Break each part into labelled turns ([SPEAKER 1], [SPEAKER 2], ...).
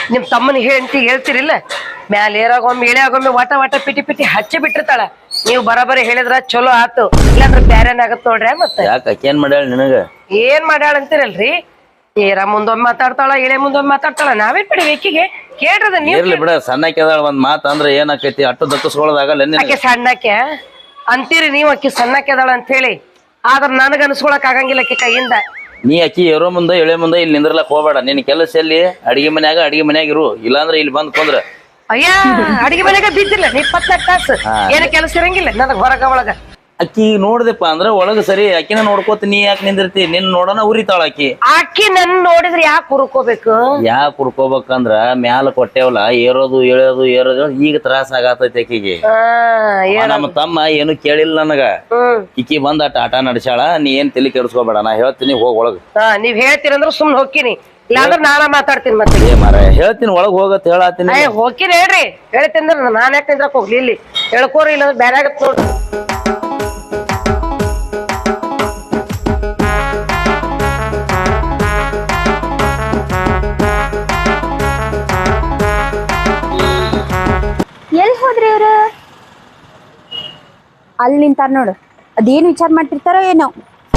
[SPEAKER 1] ನಿಮ್ ತಮ್ಮನ ಹೇಳ್ತಿರಿಲ್ಲ ಮ್ಯಾಲ ಏರಾಗೊಮ್ಮೆ ಇಳಿಯಾಗೊಮ್ಮೆ ವಟ ಪಿಟಿ ಪಿಟಿ ಹಚ್ಚಿ ಬಿಟ್ಟಿರ್ತಾಳ. ನೀವು ಬರಬರಿ ಹೇಳಿದ್ರ ಚಲೋ ಆತು, ಇಲ್ಲಾಂದ್ರ ಬ್ಯಾರೇನ್ ಆಗತ್ ನೋಡ್ರಿ. ಮತ್ತೆ
[SPEAKER 2] ಯಾಕೆ ಏನ್ ಮಾಡ್ಯಾಳ ನಿನಗ?
[SPEAKER 1] ಏನ್ ಮಾಡ್ಯಾಳ ಅಂತೀರಲ್ರಿ? ಏರ ಮುಂದೊಮ್ಮೆ ಮಾತಾಡ್ತಾಳ, ಇಳೆ ಮುಂದೊಮ್ಮೆ ಮಾತಾಡ್ತಾಳ. ನಾವೇನ್ ಬಿಡಿ ಬೇಕಿಗೆ ಕೇಳ್ರದ ನೀವು.
[SPEAKER 2] ಇರ್ಲಿ ಬಿಡ, ಸಣ್ಣಕ್ಕೆದಾಳ ಒಂದ್ ಮಾತ್ ಅಂದ್ರೆ ಏನಾಕೈತಿ, ಅಟ್ಟು ದಕ್ಕಿಸ್ಕೊಳ್ಳೋದಾಗಲ್ಲ.
[SPEAKER 1] ಆಕೆ ಸಣ್ಣಕ್ಕೆ ಅಂತೀರಿ ನೀವು, ಆಕಿ ಸಣ್ಣಕ್ಕೆದಾಳ ಅಂತ ಹೇಳಿ. ಆದ್ರ ನನಗ ಅನ್ಸ್ಕೊಳಕ್ ಆಗಂಗಿಲ್ಲ ಆಕಿ ಕೈಯಿಂದ.
[SPEAKER 2] ನೀ ಅಕ್ಕಿ ಏರೋ ಮುಂದೆ ಎಳೆ ಮುಂದೆ ಇಲ್ಲಿ ನಿಂದ್ರಲಕ್ ಹೋಗ್ಬೇಡ. ನಿನ್ ಕೆಲಸ ಎಲ್ಲಿ ಅಡಿಗೆ ಮನ್ಯಾಗ ಇರು, ಇಲ್ಲಾಂದ್ರೆ ಇಲ್ಲಿ ಬಂದ್ ಕುಂದ್ರ.
[SPEAKER 1] ಅಯ್ಯ ಅಡಿಗೆ ಮನೆಯಾಗ ಬಿದ್ದಿಲ್ಲ 24 ತಾಸು ಏನ ಕೆಲಸ ಇರಂಗಿಲ್ಲ ನನಗ್ ಹೊರಗ ಒಳಗ.
[SPEAKER 2] ಅಕ್ಕಿ ನೋಡ್ದಪ್ಪ ಅಂದ್ರ ಒಳಗ ಸರಿ, ಅಕ್ಕಿನ ನೋಡ್ಕೋತ ನೀ ಯಾಕೆ ನಿಂದಿರ್ತಿ? ನಿನ್ ನೋಡೋಣ ಉರಿತಾಳ
[SPEAKER 1] ಆಕಿ ನನ್ ನೋಡಿದ್ರೆ ಯಾಕೆ ಹುರ್ಕೋಬೇಕು?
[SPEAKER 2] ಯಾಕೆ ಹುರ್ಕೋಬೇಕಂದ್ರ ಮ್ಯಾಲ ಕೊಟ್ಟೇವಲ್ಲ, ಏರೋದು ಈಗ ತ್ರಾಸ ಆಗತೈತಿ ಅಕ್ಕಿಗೆ. ನಮ್ಮ ತಮ್ಮ ಏನು ಕೇಳಿಲ್ಲ ನನಗ. ಇಕ್ಕಿ ಬಂದ ಆಟ ನಡ್ಸಾಳ. ನೀ ಏನ್ ತಲೆ ಕೆಡಿಸ್ಕೋಬೇಡ, ನಾ ಹೇಳ್ತೀನಿ ಹೋಗ್ ಒಳಗ.
[SPEAKER 1] ನೀವ್ ಹೇಳ್ತೀರಂದ್ರ ಸುಮ್ನೆ ಹೋಗ್ತೀನಿ, ಇಲ್ಲಾಂದ್ರ ನಾನ ಮಾತಾಡ್ತೀನಿ. ಮತ್ತೆ
[SPEAKER 2] ಮಾರ ಹೇಳ್ತೀನಿ ಒಳಗ್ ಹೋಗತ್ ಹೇಳತ್ತೀನಿ.
[SPEAKER 1] ಹೋಗ್ತೀನಿ ಹೇಳ್ರಿ, ಹೇಳ್ತೀನಿ. ನಾನ್ ಯಾಕೆ ನಿಂದ್ರಕ್ ಹೋಗ್ಲಿ? ಇಲ್ಲಿ ಹೇಳ್ಕೋರಿ, ಇಲ್ಲಾಂದ್ರೆ ಬೇರೆ ಆಗತ್ ನೋಡ್ರಿ.
[SPEAKER 3] ಎಲ್ಲಿ ಹೋದ್ರಿ ಇವ್ರು? ಅಲ್ಲಿ ನಿಂತಾರ ನೋಡು. ಅದೇನ್ ವಿಚಾರ ಮಾಡ್ತಿರ್ತಾರೋ ಏನೋ.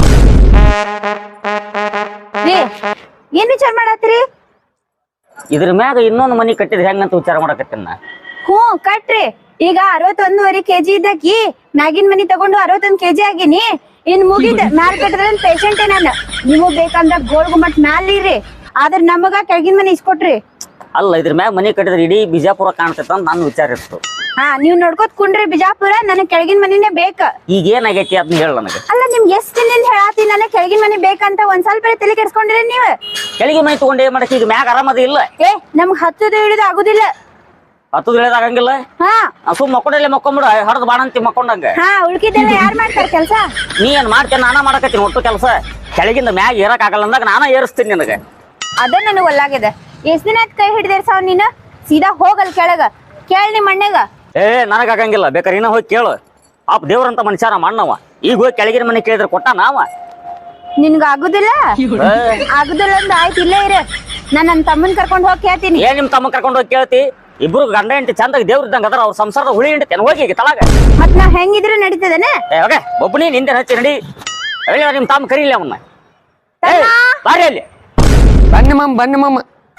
[SPEAKER 3] ಏನ್ ವಿಚಾರ ಮಾಡತ್ತೀರಿ?
[SPEAKER 4] ಇದ್ರ ಮ್ಯಾಗ ಇನ್ನೊಂದು ಮನಿ ಕಟ್ಟಿದ್ರೆ ಹೆಂಗಂತ ವಿಚಾರ ಮಾಡಕತ್ತೇನ.
[SPEAKER 3] ಹ್ಞೂ ಕಟ್ರಿ. ಈಗ 61.5 kg ಇದ್ದಾಕಿ ಮ್ಯಾಗಿನ ಮನಿ ತಗೊಂಡು 61 kg ಆಗಿನಿ. ಇನ್ ಮುಗಿದ ಮ್ಯಾಲ್ ಕಟ್ಟಿದ್ರೆ ಪೇಷಂಟ್ ನಾನು. ನಿಮಗ್ ಬೇಕಂದ್ರ ಗೋಲ್ ಗುಮ್ಮಟ್ ಮ್ಯಾಲ ಇರ್ರಿ, ಆದ್ರ ನಮಗ ಕೆಳಗಿನ ಮನಿ ಇಸ್ಕೊಟ್ರಿ.
[SPEAKER 4] ಅಲ್ಲ, ಇದ್ರ ಮ್ಯಾಗ ಮನಿ ಕಟ್ಟಿದ್ರೆ ಇಡೀ ಬಿಜಾಪುರ ಕಾಣ್ತೈತ ಅಂತ ನನ್ ವಿಚಾರ ಇತ್ತು.
[SPEAKER 3] ನೀವ್ ನೋಡ್ಕೋತ್ ಕುಂಡ್ರಿ ಬಿಜಾಪುರ, ನನಗ್ ಕೆಳಗಿನ ಮನಿನೇ ಬೇಕ.
[SPEAKER 4] ಈಗ ಏನಾಗೈತಿ ಅದನ್ನ ಹೇಳ ನನಗೆ.
[SPEAKER 3] ಅಲ್ಲ, ನಿಮ್ಗೆ ಎಷ್ಟ್ ದಿನದಿಂದ ಹೇಳಾತಿ ನನಗ್ ಕೆಳಗಿನ ಮನಿ ಬೇಕಂತ? ಒಂದ್ ಸ್ವಲ್ಪ ತಲೆ ಕೆಡ್ಸ್ಕೊಂಡಿರಿ ನೀವ್.
[SPEAKER 4] ಕೆಳಗಿನ ಮನಿ ತಗೊಂಡ್ ಏನ್ ಮಾಡಕ್? ಈಗ ಮ್ಯಾಗ ಆರಾಮದ ಇಲ್ಲ.
[SPEAKER 3] ನಮ್ಗ್ ಹತ್ತದು ಇಳಿದು ಆಗುದಿಲ್ಲ.
[SPEAKER 4] ಹತ್ತದ ಇಳಿದಾಗಂಗಿಲ್ಲ. ಸುಮ್ ಮಕ್ಕೊಂಡಲ್ಲೇ ಮಕ್ಕೊಂಬಿಡ, ಹಡದ್ ಬಾಣಂತಿ ಮಕ್ಕೊಂಡಂಗ.
[SPEAKER 3] ಉಳ್ಕಿದ್ದೆಲ್ಲ ಯಾರ್ ಮಾಡ್ತಾರ ಕೆಲ್ಸ?
[SPEAKER 4] ನೀ ಏನ್ ಮಾಡ್ತೇನೆ? ನಾನ ಮಾಡಕತ್ತೀನಿ ಒಟ್ಟು ಕೆಲಸ. ಕೆಳಗಿಂದ ಮ್ಯಾಗ ಏರಕ್ ಆಗಲ್ಲ ಅಂದಾಗ ನಾನ ಏರಿಸ್ತೀನಿ ನಿನಗೆ.
[SPEAKER 3] ಅದ ನನಗ್ ಒಲ್ಲಾಗಿದೆ. ಎಷ್ಟ್ ದಿನ ಕೈ ಹಿಡ್ದೇರ್ಸಾವ್ ನೀನು? ಸೀದಾ ಹೋಗಲ್ ಕೆಳಗ, ಕೇಳ್ ನಿಮ್ ಅಣ್ಣಗ.
[SPEAKER 4] ನನಗ ಆಗಂಗಿಲ್ಲ, ಬೇಕಾರೆ ಇನ್ನ ಹೋಗಿ ಕೇಳು. ಆಪ್ ದೇವ್ರಂತ ಮನುಷ್ಯನ ಮಣ್ಣವ. ಈಗ ಹೋಗಿ ಕೆಳಗಿನ ಮನೆ ಕೇಳಿದ್ರೆ ಕೊಟ್ಟ ನಾವ.
[SPEAKER 3] ನಿನ್ಗ ಆಗುದಿಲ್ಲ? ಆಗುದಿಲ್ಲ ಅಂದ ಆಯ್ತು, ಇಲ್ಲೇ ಇರ. ನಾನ್ ನನ್ ತಮ್ಮನ್ ಕರ್ಕೊಂಡ್ ಹೋಗಿ ಕೇಳ್ತೀನಿ.
[SPEAKER 4] ನಿಮ್ ತಮ್ಮ ಕರ್ಕೊಂಡ್ ಹೋಗಿ ಕೇಳ್ತಿ? ಇಬ್ರು ಗಂಡ ಹೆಂಡತಿ ಚಂದಾಗ ದೇವ್ರ ಇದ್ದಂಗ ಅದ್ರ. ಅವ್ರ ಸಂಸಾರದ ಹುಳಿ ಹಿಂಡತೇನೆ ಹೋಗಿ ತಳಗ.
[SPEAKER 3] ಮತ್ ನಾ ಹೆಂಗಿದ್ರು ನಡೀತದನ?
[SPEAKER 4] ಒಬ್ಬನಿ ನಿಂದೆ ಹಚ್ಚಿ ನಡಿ. ನಿಮ್ ತಮ್ಮ ಕರೀಲಿ ಅವನ್ನ. ಬಾರಿ ಅಲ್ಲಿ.
[SPEAKER 5] ಬನ್ನಿ ಮಾಮ.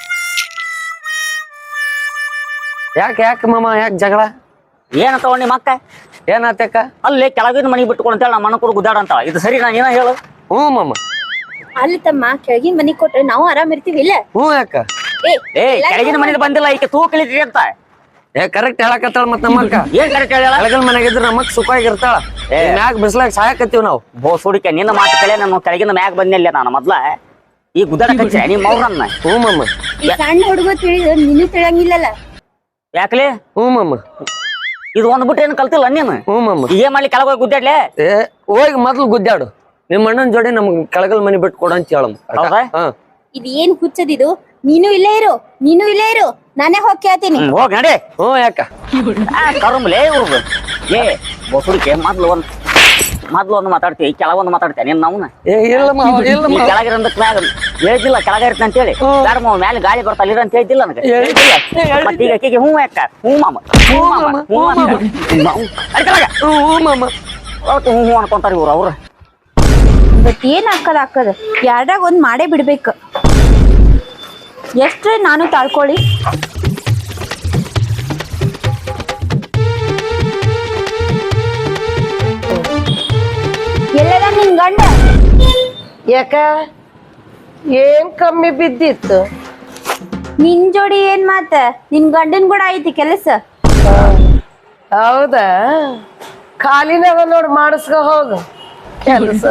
[SPEAKER 5] ಯಾಕೆ ಮಾಮ, ಯಾಕೆ ಜಗಳ?
[SPEAKER 4] ಏನ ತಗೊಂಡಿ ಮಕ್ಕ?
[SPEAKER 5] ಏನಾತಕ್ಕ?
[SPEAKER 4] ಅಲ್ಲಿ ಕೆಳಗಿನ ಮನಿ ಬಿಟ್ಕೊಂಡು ಅಂತೇಳಿ ನಮ್ಮ ಮನ ಕೂಡ ಗುದ್ದಾಡ ಅಂತ. ಇದು ಸರಿ? ನಾ ಏನ ಹೇಳು?
[SPEAKER 5] ಹ್ಞೂ ಮಾಮ.
[SPEAKER 3] ಅಲ್ಲಿ ತಮ್ಮ ಕೆಳಗಿನ ಮನಿ ಕೊಟ್ರೆ ನಾವು ಆರಾಮ್ ಇರ್ತೀವಿ ಇಲ್ಲ?
[SPEAKER 5] ಹ್ಞೂ ಯಾಕ?
[SPEAKER 4] ಕೆಳಗಿನ ಮನಿ ಬಂದಿಲ್ಲ, ಈಕೆ ತೂ ಕಲಿತೀರಿ ಅಂತ.
[SPEAKER 5] ಕರೆಕ್ಟ್ ಹೇಳಕತ್ತಾಳ ಮತ್ ನಮ್ಮಕ್ಕ.
[SPEAKER 4] ಏನ್ ಕರೆಕ್ಟ್ ಹೇಳ?
[SPEAKER 5] ಕೆಳಗಿನ ಮನೆಗಿದ್ರೆ ನಮ್ಮಕ್ ಸುಖವಾಗಿರ್ತಾಳ. ಮ್ಯಾಗ ಬಿಸ್ಲಾಗ ಸಾಯಕತ್ತೀವಿ ನಾವು.
[SPEAKER 4] ಸುಡಿಕೆ ನಿನ್ನ ಮಾತು ಕೇಳಿ ನಾನು ಕೆಳಗಿನ ಮ್ಯಾಗ ಬಂದಿಲ್ಲ. ನಾನು ಮೊದ್ಲ ಈ ಗುದ್ದಾಡ ಕಚ್ಚ ನಿಮ್ಮ ಅವ್ರನ್ನ.
[SPEAKER 5] ಹ್ಞೂ ಮಾಮ.
[SPEAKER 3] ಸಣ್ಣ ಹುಡುಗ ತಿಳಿದು ನೀನು ತಿಳಿಯಂಗಿಲ್ಲಲ್ಲ.
[SPEAKER 4] ಯಾಕಲಿ?
[SPEAKER 5] ಹ್ಞೂ ಮಾಮ.
[SPEAKER 4] ಇದು ಒಂದ್ ಬಿಟ್ಟು ಏನು ಕಲ್ತಿಲ್ಲ ನೀನು?
[SPEAKER 5] ಹ್ಞೂ ಮಾಮ.
[SPEAKER 4] ಏನ್ ಮಾಡ್ಲಿ ಕೆಳಗೆ ಹೋಗಿ ಗುದ್ದಾಡ್ಲೆ?
[SPEAKER 5] ಹೋಗಿ ಮೊದ್ಲು ಗುದ್ದಾಡು. ನಿಮ್ಮ ಅಣ್ಣನ ಜೋಡಿ ನಮ್ಗ್ ಕೆಳಗಲ್ ಮನಿ ಬಿಟ್ಟು ಕೊಡ ಅಂತ ಹೇಳಮ್.
[SPEAKER 3] ಇದು ಏನ್ ಹುಚ್ಚದಿದು? ನೀನು ಇಲ್ಲೇ ಇರು, ನಾನೇ ಹೋಗಿ ಕೇಳ್ತೀನಿ.
[SPEAKER 4] ಹೋಗ್ ನಡಿ.
[SPEAKER 5] ಹ್ಞೂ ಯಾಕ?
[SPEAKER 4] ಕರುಮ್ಲೇ ಇವ್ರದು. ಬಸುಡಿಕೆ ಮೊದ್ಲು ಒಂದು ಮಾತಾಡ್ತೀವಿ, ಕೆಳಗೊಂದು ಮಾತಾಡ್ತೇನೆ ನಾವು. ಕೆಳಗಿರಂದಕ್ ಮ್ಯಾಗ ಹೇಳ್ತಿಲ್ಲ ಕೆಳಗ ಇರ್ತೇನೆ ಅಂತೇಳಿ. ಮ್ಯಾಲೆ ಗಾಳಿ ಬರ್ತಾರ ಅಂತ ಹೇಳ್ತಿಲ್ಲ ನನಗೆ. ಮತ್ತೆ ಈಗ ಅಕ್ಕಿಗೆ ಹ್ಞೂ ಯಾಕ? ಹ್ಞೂ ಮಾಮ ಹ್ಞೂ ಅನ್ಕೊಂತಾರ ಇವ್ರು. ಅವ್ರು
[SPEAKER 3] ಬಟ್ ಏನ್ ಹಾಕದ ಯಾರ್ದಾಗ ಒಂದ್ ಮಾಡೇ ಬಿಡ್ಬೇಕು. ಎಷ್ಟ್ರೆ ನಾನು ತಾಳ್ಕೊಳ್ಳಿ. ಎಲ್ಲದ ನಿನ್ ಗಂಡ?
[SPEAKER 1] ಯಾಕ ಏನ್ ಕಮ್ಮಿ ಬಿದ್ದಿತ್ತು?
[SPEAKER 3] ನಿನ್ ಜೋಡಿ ಏನ್ ಮಾತ? ನಿನ್ ಗಂಡನ್ ಕೂಡ ಐತಿ ಕೆಲಸ.
[SPEAKER 1] ಹೌದಾ? ಖಾಲಿನಾಗ ನೋಡ್ ಮಾಡಿಸ್ಕೊ ಹೋಗು ಕೆಲಸ.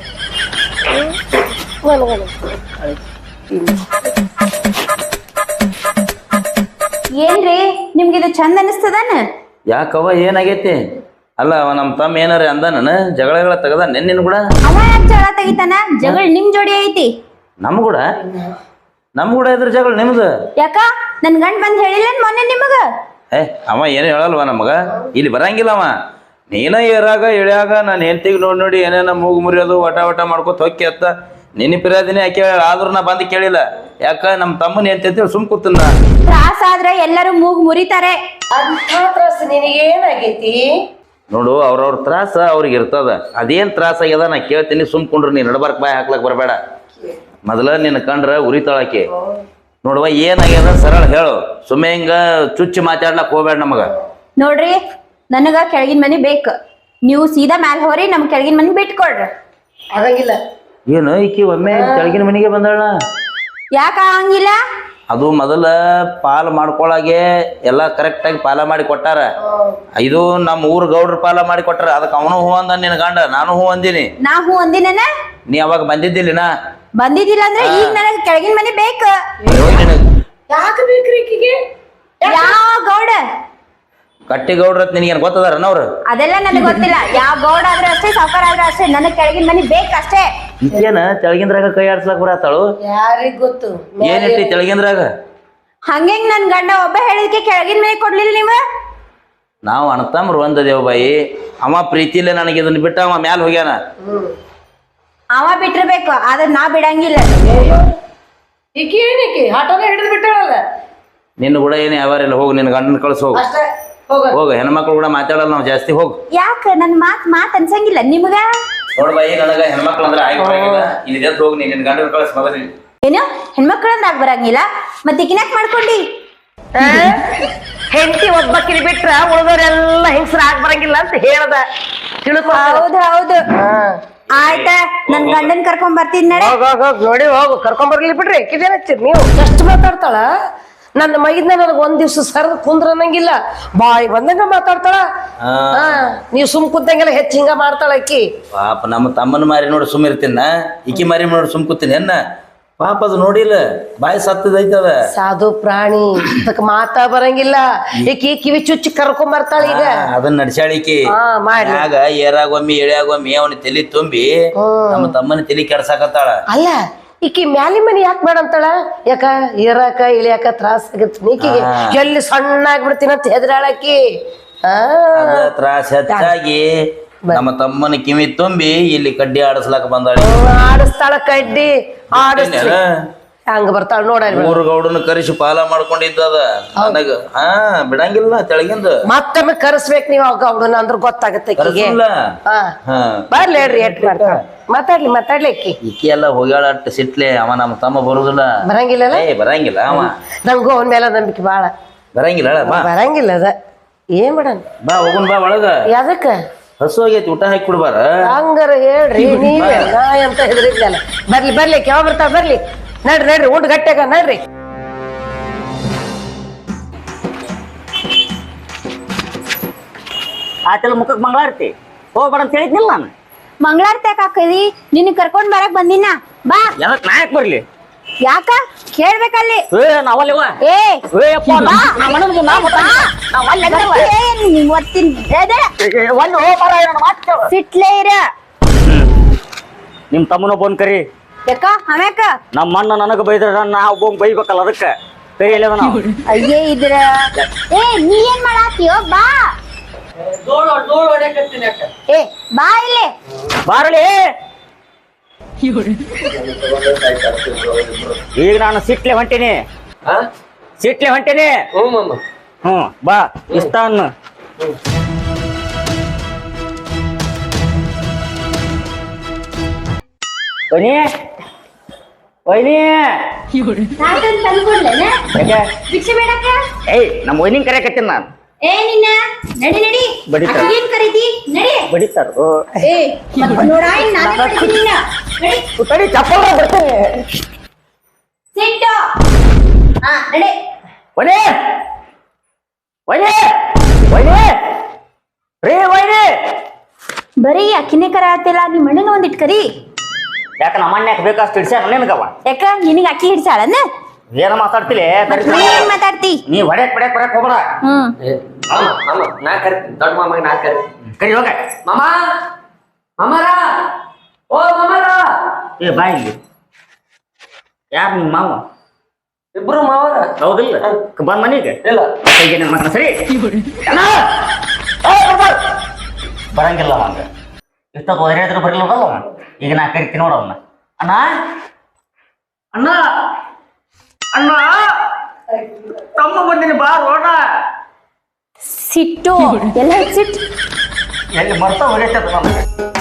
[SPEAKER 3] ಏನ್ರಿ ನಿಮ್ಗಿದು ಚಂದ ಅನಿಸ್ತದಾನ?
[SPEAKER 2] ಯಾಕವ್ವ ಏನಾಗೈತಿ? ಅಲ್ಲ ಅವ ನಮ್ಮ ತಮ್ಮ ಏನಾರ ಅಂದಾನ? ಜಗಳ ತೆಗದ ನಿನ್ನ ಕೂಡ?
[SPEAKER 3] ಅವ ಯಾಕೆ ಜಗಳ ತೆಗಿತಾನ? ಜಗಳ ನಿಮ್ ಜೋಡಿ ಐತಿ.
[SPEAKER 2] ನಮ್ ಕೂಡ ಇದ್ರ ಜಗಳ ನಿಮ್ದು
[SPEAKER 3] ಯಾಕ? ನನ್ ಗಂಡ ಬಂದ್ ಹೇಳಿಲ್ಲ ಮೊನ್ನೆ ನಿಮಗ?
[SPEAKER 2] ಅವ ಏನು ಹೇಳಲ್ವ ನಮಗ? ಇಲ್ಲಿ ಬರಂಗಿಲ್ಲ ಅವ. ನೀನ ಏರಾಗ ಇಳ್ಯಾಗ ನಾನು ಹೆಂಡತಿಗೆ ನೋಡಿ ಏನೇನ ಮೂಗು ಮುರಿಯೋದು ವಟ ಮಾಡ್ಕೊತ ಹೊಕ್ಕಿ ಅತ್ತ ನಿನ್ನ ಪಿರಾದಿನಿ ಆಕೆ. ಆದ್ರೂ ನಾ ಬಂದು ಕೇಳಿಲ್ಲ ಯಾಕ ನಮ್ಮ ತಮ್ಮನ ಅಂತೇಳಿ ಸುಮ್ ಕೂತನ.
[SPEAKER 3] ತ್ರಾಸ ಆದ್ರ ಎಲ್ಲರೂ ಮೂಗ್ ಮುರಿತಾರೆ.
[SPEAKER 1] ಅಂತ ತ್ರಾಸ ನಿನಗೇನಾಗೈತಿ?
[SPEAKER 2] ನೋಡು ಅವ್ರವ್ರ ತ್ರಾಸ ಅವ್ರಿಗೆ ಇರ್ತದ. ಅದೇನ್ ತ್ರಾಸ ಆಗ್ಯದ ನಾ ಕೇಳ್ತೀನಿ, ಸುಮ್ಕೊಂಡ್ರು ನೀ ನಡಬಾರ್ಕ್ ಬಾಯ್ ಹಾಕ್ಲಕ್ ಬರಬೇಡ. ಮೊದಲ ನಿನ್ನ ಕಂಡ್ರ ಉರಿತಾಳಕಿ. ನೋಡುವ ಏನಾಗ್ಯದ ಸರಳ ಹೇಳು, ಸುಮ್ಮನೆ ಹಿಂಗ ಚುಚ್ಚಿ ಮಾತಾಡ್ಲಕ್ ಹೋಗ್ಬೇಡ ನಮಗ.
[SPEAKER 3] ನೋಡ್ರಿ, ನನಗ ಕೆಳಗಿನ ಮನಿ ಬೇಕು. ನೀವು ಸೀದಾ ಮ್ಯಾಲ ಹೋರಿ, ನಮ್ ಕೆಳಗಿನ ಮನಿ ಬಿಟ್ಕೊಡ್ರಿ.
[SPEAKER 1] ಆಗಂಗಿಲ್ಲ.
[SPEAKER 2] ಏನು ಈಕಿ ಒಮ್ಮೆ ಕೆಳಗಿನ ಮನೆಗೆ ಬಂದಾಳ?
[SPEAKER 3] ಯಾಕ ಆಗಂಗಿಲ್ಲ?
[SPEAKER 2] ಅದು ಮೊದಲ ಪಾಲ ಮಾಡ್ಕೊಳಗೆ ಎಲ್ಲಾ ಕರೆಕ್ಟ್ ಆಗಿ ಪಾಲ ಮಾಡಿ ಕೊಟ್ಟಾರ. ಇದು ನಮ್ಮ ಊರ್ ಗೌಡ್ರ ಪಾಲ ಮಾಡಿ ಕೊಟ್ಟಾರ. ಅದಕ್ಕೆ ಅವನು ಹೂ ಅಂದ ನಿನ್ ಗಂಡ, ನಾನು ಹೂ ಅಂದಿನಿ.
[SPEAKER 3] ನಾ ಹೂ ಅಂದಿನ?
[SPEAKER 2] ನೀ ಅವಾಗ ಬಂದಿದ್ದಿಲ್ಲಿನ?
[SPEAKER 3] ಬಂದಿದ್ದಿಲ್ಲ ಅಂದ್ರೆ ಈಗ ನನಗ ಕೆಳಗಿನ ಮನಿ ಬೇಕು.
[SPEAKER 1] ಯಾಕೆ ಬೇಕ್ರಿ ಈಕಿಗೆ?
[SPEAKER 3] ಯಾವ ಗೌಡ?
[SPEAKER 2] ಕಟ್ಟಿ ಗೌಡ್ರ ನಿನಗೇನ್ ಗೊತ್ತದಾರನ ಅವ್ರು?
[SPEAKER 3] ಅದೆಲ್ಲ ನನಗೆ ಗೊತ್ತಿಲ್ಲ. ಯಾವ ಗೌಡ ಆದ್ರೆ ಅಷ್ಟೇ, ಸಾವುಕಾರ ಆದ್ರೆ ಅಷ್ಟೇ, ನನಗ್ ಕೆಳಗಿನ ಮನಿ ಬೇಕಷ್ಟೇ.
[SPEAKER 2] ಈಕೇನ ತೆಳಗಿಂದ್ರಾಗ ಕೈ ಆಡ್ಸ್ಲಕ್ ಬರತ್ತಾಳು?
[SPEAKER 1] ಯಾರಿಗ್ ಗೊತ್ತು?
[SPEAKER 2] ಏನಿಟ್ಟಿ ತೆಳಗಿಂದ್ರಾಗ?
[SPEAKER 3] ಹಂಗೆಂಗ್ ನನ್ ಗಂಡ ಒಬ್ಬ ಹೇಳಿದ್ಕೆ ಕೆಳಗಿನ ಮನಿ ಕೊಡ್ಲಿಲ್ಲ ನೀವು?
[SPEAKER 2] ನಾವು ಅಣ್ತಮ್ರು ಒಂದದೇವ್ ಬಾಯಿ. ಅವ ಪ್ರೀತಿಲೇ ನನಗೆ ಇದನ್ನ ಬಿಟ್ಟ ಅವ ಮ್ಯಾಲ ಹೋಗ್ಯಾನ.
[SPEAKER 3] ಅವ ಬಿಟ್ಟಿರ್ಬೇಕು, ಆದ್ರೆ ನಾ ಬಿಡಂಗಿಲ್ಲ.
[SPEAKER 1] ಈಕಿ ಏನೀಕಿ ಆಟೋನ ಹಿಡಿದು ಬಿಟ್ಟಾಳಲ್ಲ.
[SPEAKER 2] ನಿನ್ನ ಕೂಡ ಏನೇ ಯಾವಾರೆಲ್ಲ ಹೋಗು, ನಿನ್ನ ಗಂಡನ ಕಳ್ಸಿ ಹೋಗು.
[SPEAKER 1] ಅಷ್ಟೇ ಹೋಗ.
[SPEAKER 2] ಹೋಗು, ಹೆಣ್ಮಕ್ಳು ಕೂಡ ಮಾತಾಡಲ್ಲ ನಾವು ಜಾಸ್ತಿ. ಹೋಗು.
[SPEAKER 3] ಯಾಕ ನನ್ ಮಾತ್ ಅನ್ಸಂಗಿಲ್ಲ ನಿಮ್ಗ?
[SPEAKER 2] ನೋಡ್ಬಾಯಿ, ನನಗ ಹೆಣ್ಮಕ್ಳು ಅಂದ್ರೆ ಆಯ್ಕೆ ಬರಂಗಿಲ್ಲ. ಇಲ್ಲಿ ಎದ್ದು ಹೋಗಿ ನಿನ್ನ ಗಂಡನ ಕಳ್ಸಿ ಮೊದಲು.
[SPEAKER 3] ಏನು ಹೆಣ್ಮಕ್ಳಂದ್ರ ಆಗ್ ಬರಂಗಿಲ್ಲ? ಮತ್ತೆ ಈಗಿನಾಕ್ ಮಾಡ್ಕೊಂಡಿ?
[SPEAKER 1] ಹೆಂಡತಿ ಒಬ್ಬಕ್ಕಿನ ಬಿಟ್ರ ಉಳಿದವರೆಲ್ಲ ಹೆಂಗಸರ ಆಗ್ ಬರಂಗಿಲ್ಲ ಅಂತ ಹೇಳ್ದ. ತಿಳ್ಕೊ.
[SPEAKER 3] ಹೌದು ಹೌದು. ಆಯ್ತ, ನನ್ ಗಂಡನ್ ಕರ್ಕೊಂಡ್ ಬರ್ತೀನಿ ನಡೆ.
[SPEAKER 1] ಹೋಗ್ ನೋಡಿ, ಹೋಗು, ಕರ್ಕೊಂಡ್ ಬರ್ಲಿ ಬಿಡ್ರಿ. ಕಿದೇನ್ ಹಚ್ಚಿರ್ ನೀವು? ಎಷ್ಟು ಮಾತಾಡ್ತಾಳ ನನ್ನ ಮೈದ್ನ. ನನಗ್ ಒಂದ್ ದಿವ್ಸ ಸರ್ದ್ ಕುಂದ್ರ ಅನ್ನಂಗಿಲ್ಲ, ಬಾಯಿ ಬಂದಂಗ ಮಾತಾಡ್ತಾಳ. ನೀವ್ ಸುಮ್ ಕುಂತಂಗೆಲ್ಲ ಹೆಚ್ಚು ಹಿಂಗ ಮಾಡ್ತಾಳ ಅಕ್ಕಿ.
[SPEAKER 2] ಪಾಪ ನಮ್ಮ ತಮ್ಮನ ಮಾರಿ ನೋಡಿ ಸುಮ್ ಇರ್ತೀನ, ಈಕಿ ಮಾರಿ ನೋಡಿ ಸುಮ್ ಕೂತೀನಿ ಎನ್ನ. ಪಾಪ ಅದು ನೋಡಿಲ್ಲ, ಬಾಯಿ ಸತ್ತದೈತದ.
[SPEAKER 1] ಸಾಧು ಪ್ರಾಣಿ, ಅದಕ್ ಮಾತಾ ಬರಂಗಿಲ್ಲ. ಈಕಿ ಕಿವಿ ಚುಚ್ಚಿ ಕರ್ಕೊಂಡ್ ಬರ್ತಾಳ ಈಗ.
[SPEAKER 2] ಅದನ್ನ ನಡ್ಸಾಳಿಕಿ
[SPEAKER 1] ಮಾಡ್ಲಿ.
[SPEAKER 2] ಆಗ ಏರಾಗೊಮ್ಮಿ ಎಳ್ಯಾಗೊಮ್ಮಿ ಅವನ ತಲಿ ತುಂಬಿ ನಮ್ಮ ತಮ್ಮನ ತಲಿ ಕೆಡ್ಸಾಕತ್ತಾಳ.
[SPEAKER 1] ಅಲ್ಲ, ಈಕಿ ಮ್ಯಾಲಿ ಮನಿ ಯಾಕೆ ಬೇಡ ಅಂತಾಳ? ಯಾಕ ಇರಾಕ ಇಳಿಯಾಕ ತ್ರಾಸ ಆಗತ್ ಈಕಿಗೆ. ಎಲ್ಲಿ ಸಣ್ಣ ಆಗ್ಬಿಡ್ತೀನಿ ಅಂತ ಹೆದರಾಳಕಿ.
[SPEAKER 2] ಅದ ತ್ರಾಸ ಹೆಚ್ಚಾಗಿ ನಮ್ಮ ತಮ್ಮನ ಕಿವಿ ತುಂಬಿ ಇಲ್ಲಿ ಕಡ್ಡಿ ಆಡಸ್ಲಾಕ ಬಂದಾಳ.
[SPEAKER 1] ಆಡಿಸ್ತಾಳ ಕಡ್ಡಿ ಆಡಿಸ್ತಾಳ. ಹಂಗ ಬರ್ತಾಳ ನೋಡ.
[SPEAKER 2] ಮೂರು ಗೌಡನ ಕರೆಸಿ ಪಾಲ ಮಾಡ್ಕೊಂಡಿದ್ದದ ನನಗ. ಬಿಡಂಗಿಲ್ಲ ತೆಳಗಿಂದ.
[SPEAKER 1] ಮತ್ತೊಮ್ಮೆ ಕರೆಸ್ಬೇಕ್ ನೀವ್ ಅವಾಗ ಅವಳನ್ನ ಅಂದ್ರ ಗೊತ್ತಾಗತ್ತೆ ಆಕಿಗೆ. ಬರ್ಲಿ ಹೇಳ್ರಿ, ಎಟ್ ಮಾಡ್ತಾಳ. ಮಾತಾಡ್ಲಿ ಅಕ್ಕಿ.
[SPEAKER 2] ಈಕಿ ಎಲ್ಲ ಹೋಗ್ಯಾಳ ಅಟ್ಟ ಸಿಟ್ಲೆ. ಅವ ನಮ್ಮ ತಮ್ಮ ಬರುದಿಲ್ಲ.
[SPEAKER 1] ಬರಂಗಿಲ್ಲ?
[SPEAKER 2] ಬರಂಗಿಲ್ಲ ಅವ.
[SPEAKER 1] ನಂಗೂ ಅವನ ಮೇಲೆ ನಂಬಿಕೆ ಬಾಳ.
[SPEAKER 2] ಬರಂಗಿಲ್ಲ
[SPEAKER 1] ಬರಂಗಿಲ್ಲ ಅದ. ಏನ್ ಮಾಡಣ?
[SPEAKER 2] ಬಾ ಹೋಗುನ್ ಬಾ ಒಳಗ.
[SPEAKER 1] ಯಾದಕ್ಕ?
[SPEAKER 2] ಹಸು ಆಗೈತಿ, ಊಟ ಹಾಕಿ ಕೊಡ್ಬಾರ.
[SPEAKER 1] ಹಂಗಾರ ಹೇಳ್ರಿ ನೀವೇ. ನಾ ಎಂತ ಹೆದರಿದ್ನಲ್ಲ. ಬರ್ಲಿ ಯಾವ ಬರ್ತಾವ. ಬರ್ಲಿ ನಡ್ರಿ, ಊಟ ಗಟ್ಟಾಗ ನಡ್ರಿ.
[SPEAKER 4] ಆಟೆಲ್ಲ ಮುಖಕ್ಕೆ ಮಂಗಳಾರತಿ ಹೋಗ್ಬೇಡ ಅಂತ ಹೇಳಿದ್ನಿಲ್ಲ ನಾನು.
[SPEAKER 3] ಮಂಗಳಾರತಿ ಯಾಕೆ ಹಾಕದಿ? ನಿನ್ನ ಕರ್ಕೊಂಡ್ ಬರಕ್ ಬಂದಿನ. ಬಾ.
[SPEAKER 4] ಯಾಕೆ ನಾ ಯಾಕೆ ಬರ್ಲಿ?
[SPEAKER 3] ಯಾಕ ಕೇಳ್ಬೇಕಲ್ಲಿ.
[SPEAKER 4] ನಾವಲ್ಲಿವ
[SPEAKER 3] ಸಿಟ್ಲೇ ಇರ.
[SPEAKER 4] ನಿಮ್ ತಮ್ಮನ ಬೋನ್ ಕರಿ.
[SPEAKER 3] ಯಾಕ ಆಮ್ಯಾಕ?
[SPEAKER 4] ನಮ್ಮ ಅಣ್ಣ ನನಗ ಬೈದ್ರ ನಾವು ಬೋನ್ ಬೈಬೇಕಲ್ಲ, ಅದಕ್ಕೆ ಕೈ ಎಲ್ಲದ ನಾವು.
[SPEAKER 3] ಅಯ್ಯೇ ಇದ್ರ ನೀ ಏನ್ ಮಾಡಾತಿಯೋ? ಬಾ. ಏ ಬಾ ಇಲ್ಲಿ.
[SPEAKER 4] ಬಾರಲಿ. ಈಗ ನಾನು ಸಿಟ್ಲೆ ಹೊಂಟೀನಿ. ಬಾ ಇಷ್ಟ ಅನ್ನು.
[SPEAKER 3] ಭಿಕ್ಷೆ ಬೇಡಕ್ಕ?
[SPEAKER 4] ಏಯ್ ನಮ್ಮ ವೈನಿಂಗ್ ಕರೆಯಕತ್ತೀನಿ ನಾನು.
[SPEAKER 3] ಏ ನಿನ್ನ ನಡಿ
[SPEAKER 4] ಬಡಿತಾರ.
[SPEAKER 3] ಏನ್ ಕರೀತಿ? ನಡಿ.
[SPEAKER 4] ಬಡಿತಾರ.
[SPEAKER 3] ಏ ನೋಡ, ನಾನು ಕರೀತೀನಿ ನಿನ್ನ. ನಡಿ.
[SPEAKER 4] ಚಪ್ಪಲ್ ಬರ್ತೇನೆ.
[SPEAKER 3] ಸಿಟ್ಟು. ನಡಿ. ಬರೀ ಅಕ್ಕಿನೇ ಕರ ಆತಿಲ್ಲ, ನಿಮ್ ಮಣ್ಣನ ಒಂದಿಟ್ ಕರಿ.
[SPEAKER 4] ಯಾಕ ನಮ್ಮ ಅಣ್ಣ ಯಾಕೆ ಬೇಕಷ್ಟು ಹಿಡ್ಸ್ಯಾನ ನಿನಗವ?
[SPEAKER 3] ಯಾಕ ನಿನಗ ಅಕ್ಕಿ ಹಿಡ್ಸಾಳನ್ನ?
[SPEAKER 4] ಏನ ಮಾತಾಡ್ತಿಲಿ?
[SPEAKER 3] ಏನ್ ಮಾತಾಡ್ತಿ?
[SPEAKER 4] ನೀ ಹೊಡ್ಯಾಕ್ ಬರಕ್ ಹೋಗ್ಬೇಡ.
[SPEAKER 5] ನಾ ಕರಿತೀನಿ, ದೊಡ್ಡ ಮಾಮಾಗ ನಾ ಕರಿತೀನಿ.
[SPEAKER 4] ಕರಿ ಹೋಗ.
[SPEAKER 5] ಮಾಮಾರ, ಓ ಮಾಮಾರ.
[SPEAKER 4] ಏ ಬಾ ಇಲ್ಲಿ. ಯಾರು ನಿಮ್ಮ ಮಾವ?
[SPEAKER 5] ಇಬ್ರು ಮಾವರ.
[SPEAKER 4] ಹೌದಿಲ್ಲ? ಬಂದ್ ಮನೆಗೆ
[SPEAKER 5] ಇಲ್ಲ
[SPEAKER 4] ಸರಿ ಬರಂಗಿಲ್ಲ ಅವಂಗ. ಇಷ್ಟೊತ್ತು ಒದರಿದ್ರು ಬರಲಿಲ್ಲವಲ್ಲ. ಈಗ ನಾ ಕರಿತೀನಿ ನೋಡ ಅವನ್ನ. ಅಣ್ಣ ಅಣ್ಣ ತಮ್ಮ ಬಂದಿನಿ ಬಾ ರೋಡ
[SPEAKER 3] ಸಿಟ್ಟು ಎಲ್ಲ ಸಿಟ್ಟು
[SPEAKER 4] ಎಲ್ಲಿ ಮರ್ತ ಹೊಡಿತದ ನಮಗೆ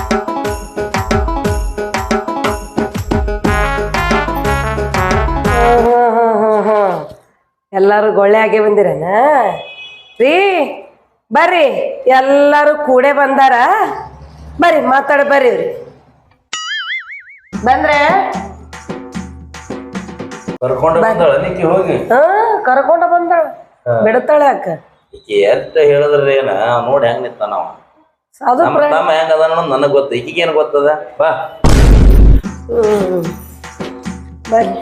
[SPEAKER 1] ಎಲ್ಲಾರು ಗೊಳ್ಳೆ ಆಗೇ ಬಂದಿರನ ರೀ ಬರ್ರಿ ಎಲ್ಲಾರು ಕೂಡೆ ಬಂದಾರ ಬರ್ರಿ ಮಾತಾಡ ಬರ್ರಿ ಇವ್ರಿ ಬಂದ್ರೆ
[SPEAKER 2] ಕರ್ಕೊಂಡ ಬಂದಾಳ ನಿಕ್ಕಿ ಹೋಗಿ
[SPEAKER 1] ಕರ್ಕೊಂಡ ಬಂದಾಳ ಬಿಡತಾಳೆ ಅಕ್ಕ
[SPEAKER 2] ಈಕಿ ಎಂತ ಹೇಳಿದ್ರೆ ಏನ ನೋಡಿ ಹೆಂಗ್ ನಿಂತ ನಾವ
[SPEAKER 1] ಅದು
[SPEAKER 2] ನಮ್ಮ ತಮ್ಮ ಹೆಂಗ ಅದ ಅನ್ನೋದು ನನಗ್ ಗೊತ್ತ ಈಕಿಗೇನು ಗೊತ್ತದ ಬಾ
[SPEAKER 1] ಬರ್ರಿ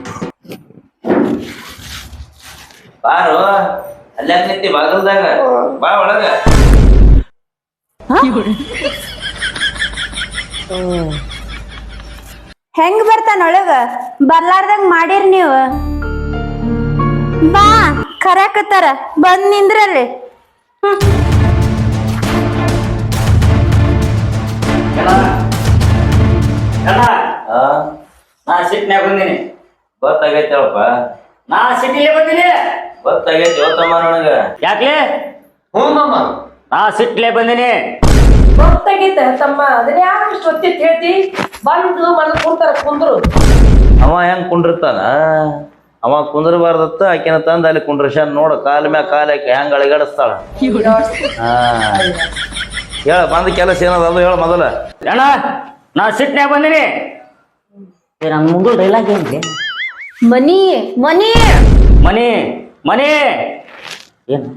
[SPEAKER 2] ಬಾರು ಅಲ್ಲಾಗ ನಿಂತಿ ಬಾಗಲ್ದಾಗ ಬಾ ಒಳಗ
[SPEAKER 3] ಹೆಂಗ್ ಬರ್ತಾನ ಒಳಗ ಬರ್ಲಾರ್ದಂಗ್ ಮಾಡಿರ್ ನೀವು ಬಾ ಕರ್ಯಾಕತ್ತಾರ ಬಂದ್ ನಿಂದ್ರಲ್ಲಿ
[SPEAKER 2] ಆ
[SPEAKER 4] ನಾ ಸಿಟ್ನ್ಯಾಗ ಬಂದಿನಿ
[SPEAKER 2] ಗೊತ್ತಾಗೈತಳಪ್ಪ
[SPEAKER 4] ನಾ ಸಿಟ್ಟಿಲೇ ಬಂದಿನಿ
[SPEAKER 2] ಗೊತ್ತಾಗೈತಿ ಓತಮ್ಮ ನನಗ
[SPEAKER 4] ಯಾಕ್ಲೆ ನಾ ಸಿಟ್ಲೇ ಬಂದಿನಿ
[SPEAKER 1] ಗೊತ್ತಾಗೈತೆ ತಮ್ಮ ಅದನ್ನ ಯಾಕೆ ಇಷ್ಟು ಹೊತ್ತಿತ್ತು ಹೇಳ್ತಿ ಬಂದು ಮನೆ ಕೂಡ್ತಾರ ಕುಂದ್ರು
[SPEAKER 2] ಅವ ಹೆಂಗ್ ಕುಂಡಿರ್ತಾನ ಅವ ಕುಂದ್ರಬಾರ್ದತ್ತ ಆಕಿನ ತಂದ ಅಲ್ಲಿ ಕುಂಡ್ರಶನ್ ನೋಡ ಕಾಲ ಮ್ಯಾಗ ಕಾಲ ಹಾಕಿ ಹೆಂಗ್ ಅಳಿಗಾಡಿಸ್ತಾಳ ಹಾ ಹೇಳ ಬಂದ ಕೆಲಸ ಏನದ ಅದು ಹೇಳ ಮೊದಲ
[SPEAKER 4] ಅಣ್ಣ ನಾ ಸಿಟ್ನ್ಯಾಗ ಬಂದಿನಿ ನನ್ನ ಮುಂದೆ ಡೈಲಾಗ್ ಏನ್ರಿ
[SPEAKER 3] ಮನಿ ಮನಿ
[SPEAKER 4] ಮನೆ ಮನೆ ಏನು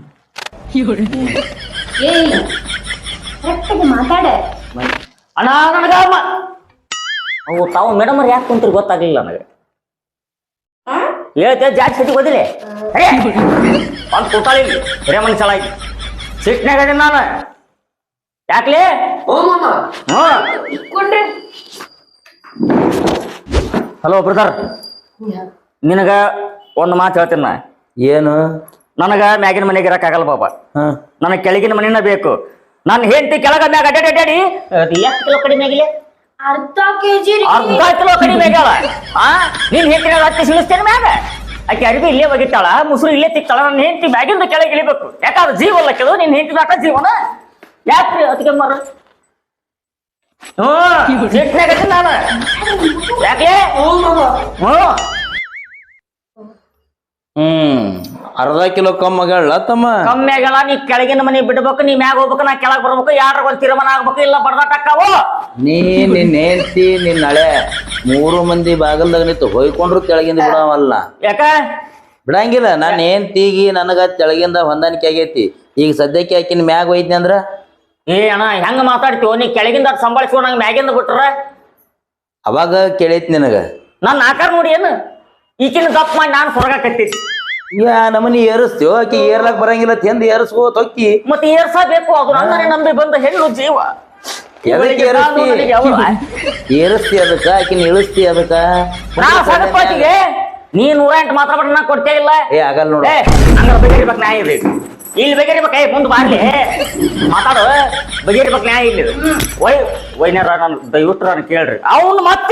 [SPEAKER 3] ಏಯ್ ಕರೆಕ್ಟಾಗಿ ಮಾತಾಡ
[SPEAKER 4] ಅಣ್ಣ ನನಗ ಅವು ತಾವು ಮೇಡಮ್ ಯಾಕೆ ಕುಂತಿರ್ ಗೊತ್ತಾಗ್ಲಿಲ್ಲ ನನಗೆ ಹೇಳ್ತೇ ಜಾಸ್ತಿ ಸಿಟಿ ಗೊತ್ತಿಲ್ಲ ಒಂದು ಕೂತಾಳಿ ಹಿರೇ ಮನುಷ್ಯ ಆಯ್ತು ಸಿಟ್ನಾಗ ಅದೀನಿ ನಾನು ಯಾಕ್ಲೆ ಹಲೋ ಬ್ರದರ್ ನಿನಗ ಒಂದು ಮಾತು ಹೇಳ್ತೀನಿ ನಾ
[SPEAKER 2] ಏನು
[SPEAKER 4] ನನಗ ಮ್ಯಾಗಿನ ಮನೆಗೆ ಇರಕ್ಕಾಗಲ್ಲ ಬಾಬಾ
[SPEAKER 2] ಹ
[SPEAKER 4] ನನಗೆ ಕೆಳಗಿನ ಮನೆನ ಬೇಕು ನನ್ನ ಹೆಂಡತಿ ಕೆಳಗ ಮ್ಯಾಗ ಅಡ್ಡಾಡಿ ಎಷ್ಟು ಕಿಲೋ ಕಡಿಮೆ ಆಗಿಲ್ಲ
[SPEAKER 3] ಅರ್ಧ ಕೆಜಿ
[SPEAKER 4] ಅರ್ಧ ಕಿಲೋ ಕಡಿಮೆ ಆಗ್ಯಾಳ ನೀನ್ ಹೆಂಡತಿ ಹತ್ತಿ ಸಿಳಿಸ್ತೇನೆ ಮ್ಯಾಗ ಆಕೆ ಅರಿವಿ ಇಲ್ಲೇ ಒಗಿತಾಳ ಮುಸುರು ಇಲ್ಲೇ ತಿಕ್ತಾಳ ನನ್ನ ಹೆಂಡತಿ ಮ್ಯಾಗಿಂದ ಕೆಳಗೆ ಇಳಿಬೇಕು ಯಾಕಂದ್ರೆ ಜೀವಲ್ಲ ಕೆಲವು ನಿನ್ ಹೆಂಡತಿ ನಾಟ ಜೀವನ ಯಾಕ್ರಿ ಅದಕ್ಕೆ ಮರ ಸಿಟ್ನಾಗತ್ತೀನಿ ನಾನು ಯಾಕೆ
[SPEAKER 2] ಅರ್ಧ ಕಿಲೋ ಕಮ್ಮಿ ಆಗ್ಯಾಳ ತಮ್ಮ
[SPEAKER 4] ಕಮ್ಮಿ ಆಗಲ್ಲ ನೀ ಕೆಳಗಿನ ಮನೆ ಬಿಡ್ಬೇಕು ನೀ ಮ್ಯಾಗ ಹೋಗ್ಬೇಕು ನಾ ಕೆಳಗ್ ಬರ್ಬೇಕು ಯಾರ ಒಂದ್ ತೀರ್ಮಾನ ಆಗ್ಬೇಕು ಇಲ್ಲ ಬಡದಾಟ ಅಕ್ಕಾವು
[SPEAKER 2] ನಿನ್ ಹೆಂಡ್ತಿ ನಿನ್ ಹಳೆ 3 ಮಂದಿ ಬಾಗಲ್ದಾಗ ನಿಂತು ಹೊಯ್ಕೊಂಡ್ರು ತೆಳಗಿಂದ ಬಿಡವಲ್ಲ
[SPEAKER 4] ಯಾಕ
[SPEAKER 2] ಬಿಡಂಗಿಲ್ಲ ನನ್ನ ಹೆಂಡ್ತಿಗಿ ನನಗ ತೆಳಗಿಂದ ಹೊಂದಾಣಿಕೆ ಆಗೈತಿ ಈಗ ಸದ್ಯಕ್ಕೆ ಆಕಿನ ಮ್ಯಾಗ ಒಯ್ದ್ನಿ ಅಂದ್ರ
[SPEAKER 4] ಏ ಅಣ್ಣ ಹೆಂಗ ಮಾತಾಡ್ತೀವೋ ನೀ ಕೆಳಗಿಂದ ಸಂಭಾಳಿಸ್ಕೊ ನಂಗೆ ಮ್ಯಾಗಿಂದ ಬಿಟ್ರ
[SPEAKER 2] ಅವಾಗ ಕೇಳೈತಿ ನಿನಗ
[SPEAKER 4] ನನ್ನ ಆಕಾರ ನೋಡಿ ಏನು ಈಕಿನ ದಪ್ಪ ಮಾಡಿ ನಾನು ಹೊರಗ ಕಟ್ಟಿದ್ದೆ
[SPEAKER 2] ಯಾ ನಮ್ಮನಿ ಏರಿಸ್ತೀವೋ ಆಕಿ ಏರ್ಲಾಕ್ ಬರಂಗಿಲ್ಲ ತಿಂದು ಏರಿಸ್ಕೋ ತೊಕ್ಕಿ
[SPEAKER 4] ಮತ್ತೆ ಏರ್ಸಬೇಕು ಅದು ನನ್ನನೆ ನಂಬಿ ಬಂದ ಹೆಣ್ಣು ಜೀವ
[SPEAKER 2] ಎದಕ್ಕೆ ಏರಿಸ್ತಿ ಅದಕ್ಕ ಆಕಿನ ಇಳಿಸ್ತಿ ಅದಕ್ಕ
[SPEAKER 4] ನಾ ಸಗಪಾಟಿಗೆ ನೀ 108 ಮಾತಾಡ್ಬಿಟ್ಟು ನಾ ಕೊಡ್ತೇ ಇಲ್ಲ
[SPEAKER 2] ಏ ಆಗಲ್ಲ ನೋಡ
[SPEAKER 4] ಹಂಗ ಬಗೆಹರಿಬೇಕು ನ್ಯಾಯ ಇದೆ ಇಲ್ಲಿ ಬಗೆಹರಿಬೇಕು ಮುಂದೆ ಬಾರ್ಲಿ ಮಾತಾಡು ಬಗೆಹರಿಬೇಕು ನ್ಯಾಯ ಇಲ್ಲಿ ವೈನ್ಯಾರ ನಾನು ದಯವಿಟ್ಟು ನಾನು ಕೇಳ್ರಿ ಅವ್ನು ಮತ್ತೆ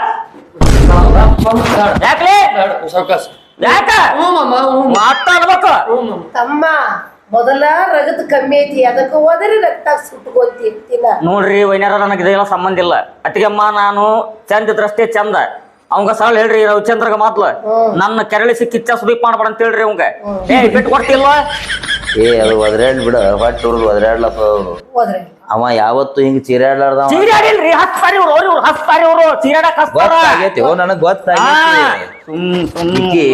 [SPEAKER 4] ಯಾಕ್ಲೆ ಯಾಕ ಮಾತಾಡ್ಬೇಕು
[SPEAKER 1] ತಮ್ಮ ಮೊದಲ ರಗತ್ ಕಮ್ಮಿ ಐತಿ ಅದಕ್ಕೆ ಹೋದರೆ ರಕ್ತ ಸುಟ್ಕೊಂತಿರ್ತಿಲ್ಲ
[SPEAKER 4] ನೋಡ್ರಿ ವೈನ್ಯಾರ ನನಗೆ ಇದೆಲ್ಲ ಸಂಬಂಧ ಇಲ್ಲ ಅತ್ತಿಗೆಮ್ಮ ನಾನು ಚಂದ ಇದ್ರಷ್ಟೇ ಚಂದ ಅವಂಗ ಸರಳ ಹೇಳ್ರಿ ರವಿಚಂದ್ರಗ ಮಾತ್ಲ ನನ್ನ ಕೆರಳಿಸಿ ಕಿಚ್ಚ ಸುದೀಪ್ ಮಾಡ್ಬೇಡ ಅಂತ ಹೇಳ್ರಿ ಅವಂಗ ಬಿಟ್ಟು ಕೊಡ್ತಿಲ್ವಾ
[SPEAKER 2] ಏ ಅದು ಒದ್ರಾಡ್ ಬಿಡ ಹೊಟ್ಟೆ ಉರ್ದು ಒದ್ರಾಡ್ಲತ್ತ
[SPEAKER 1] ಹೋದ್ರೆ
[SPEAKER 2] ಅವ ಯಾವತ್ತು ಹಿಂಗ್ ಚೀರಾಡ್ಲಾರ್ದವ
[SPEAKER 4] ಚೀರಾಡಿಲ್ರಿ ಹಸ್ತಾರಿ ಇವ್ರು ಹಸ್ತಾರಿ ಇವ್ರು ಚೀರಾಡಕ್ ಹಸ್ತಾರ
[SPEAKER 2] ಗೊತ್ತಾಗೈತಿ ನನಗ್ ಗೊತ್ತಾಗೈತಿ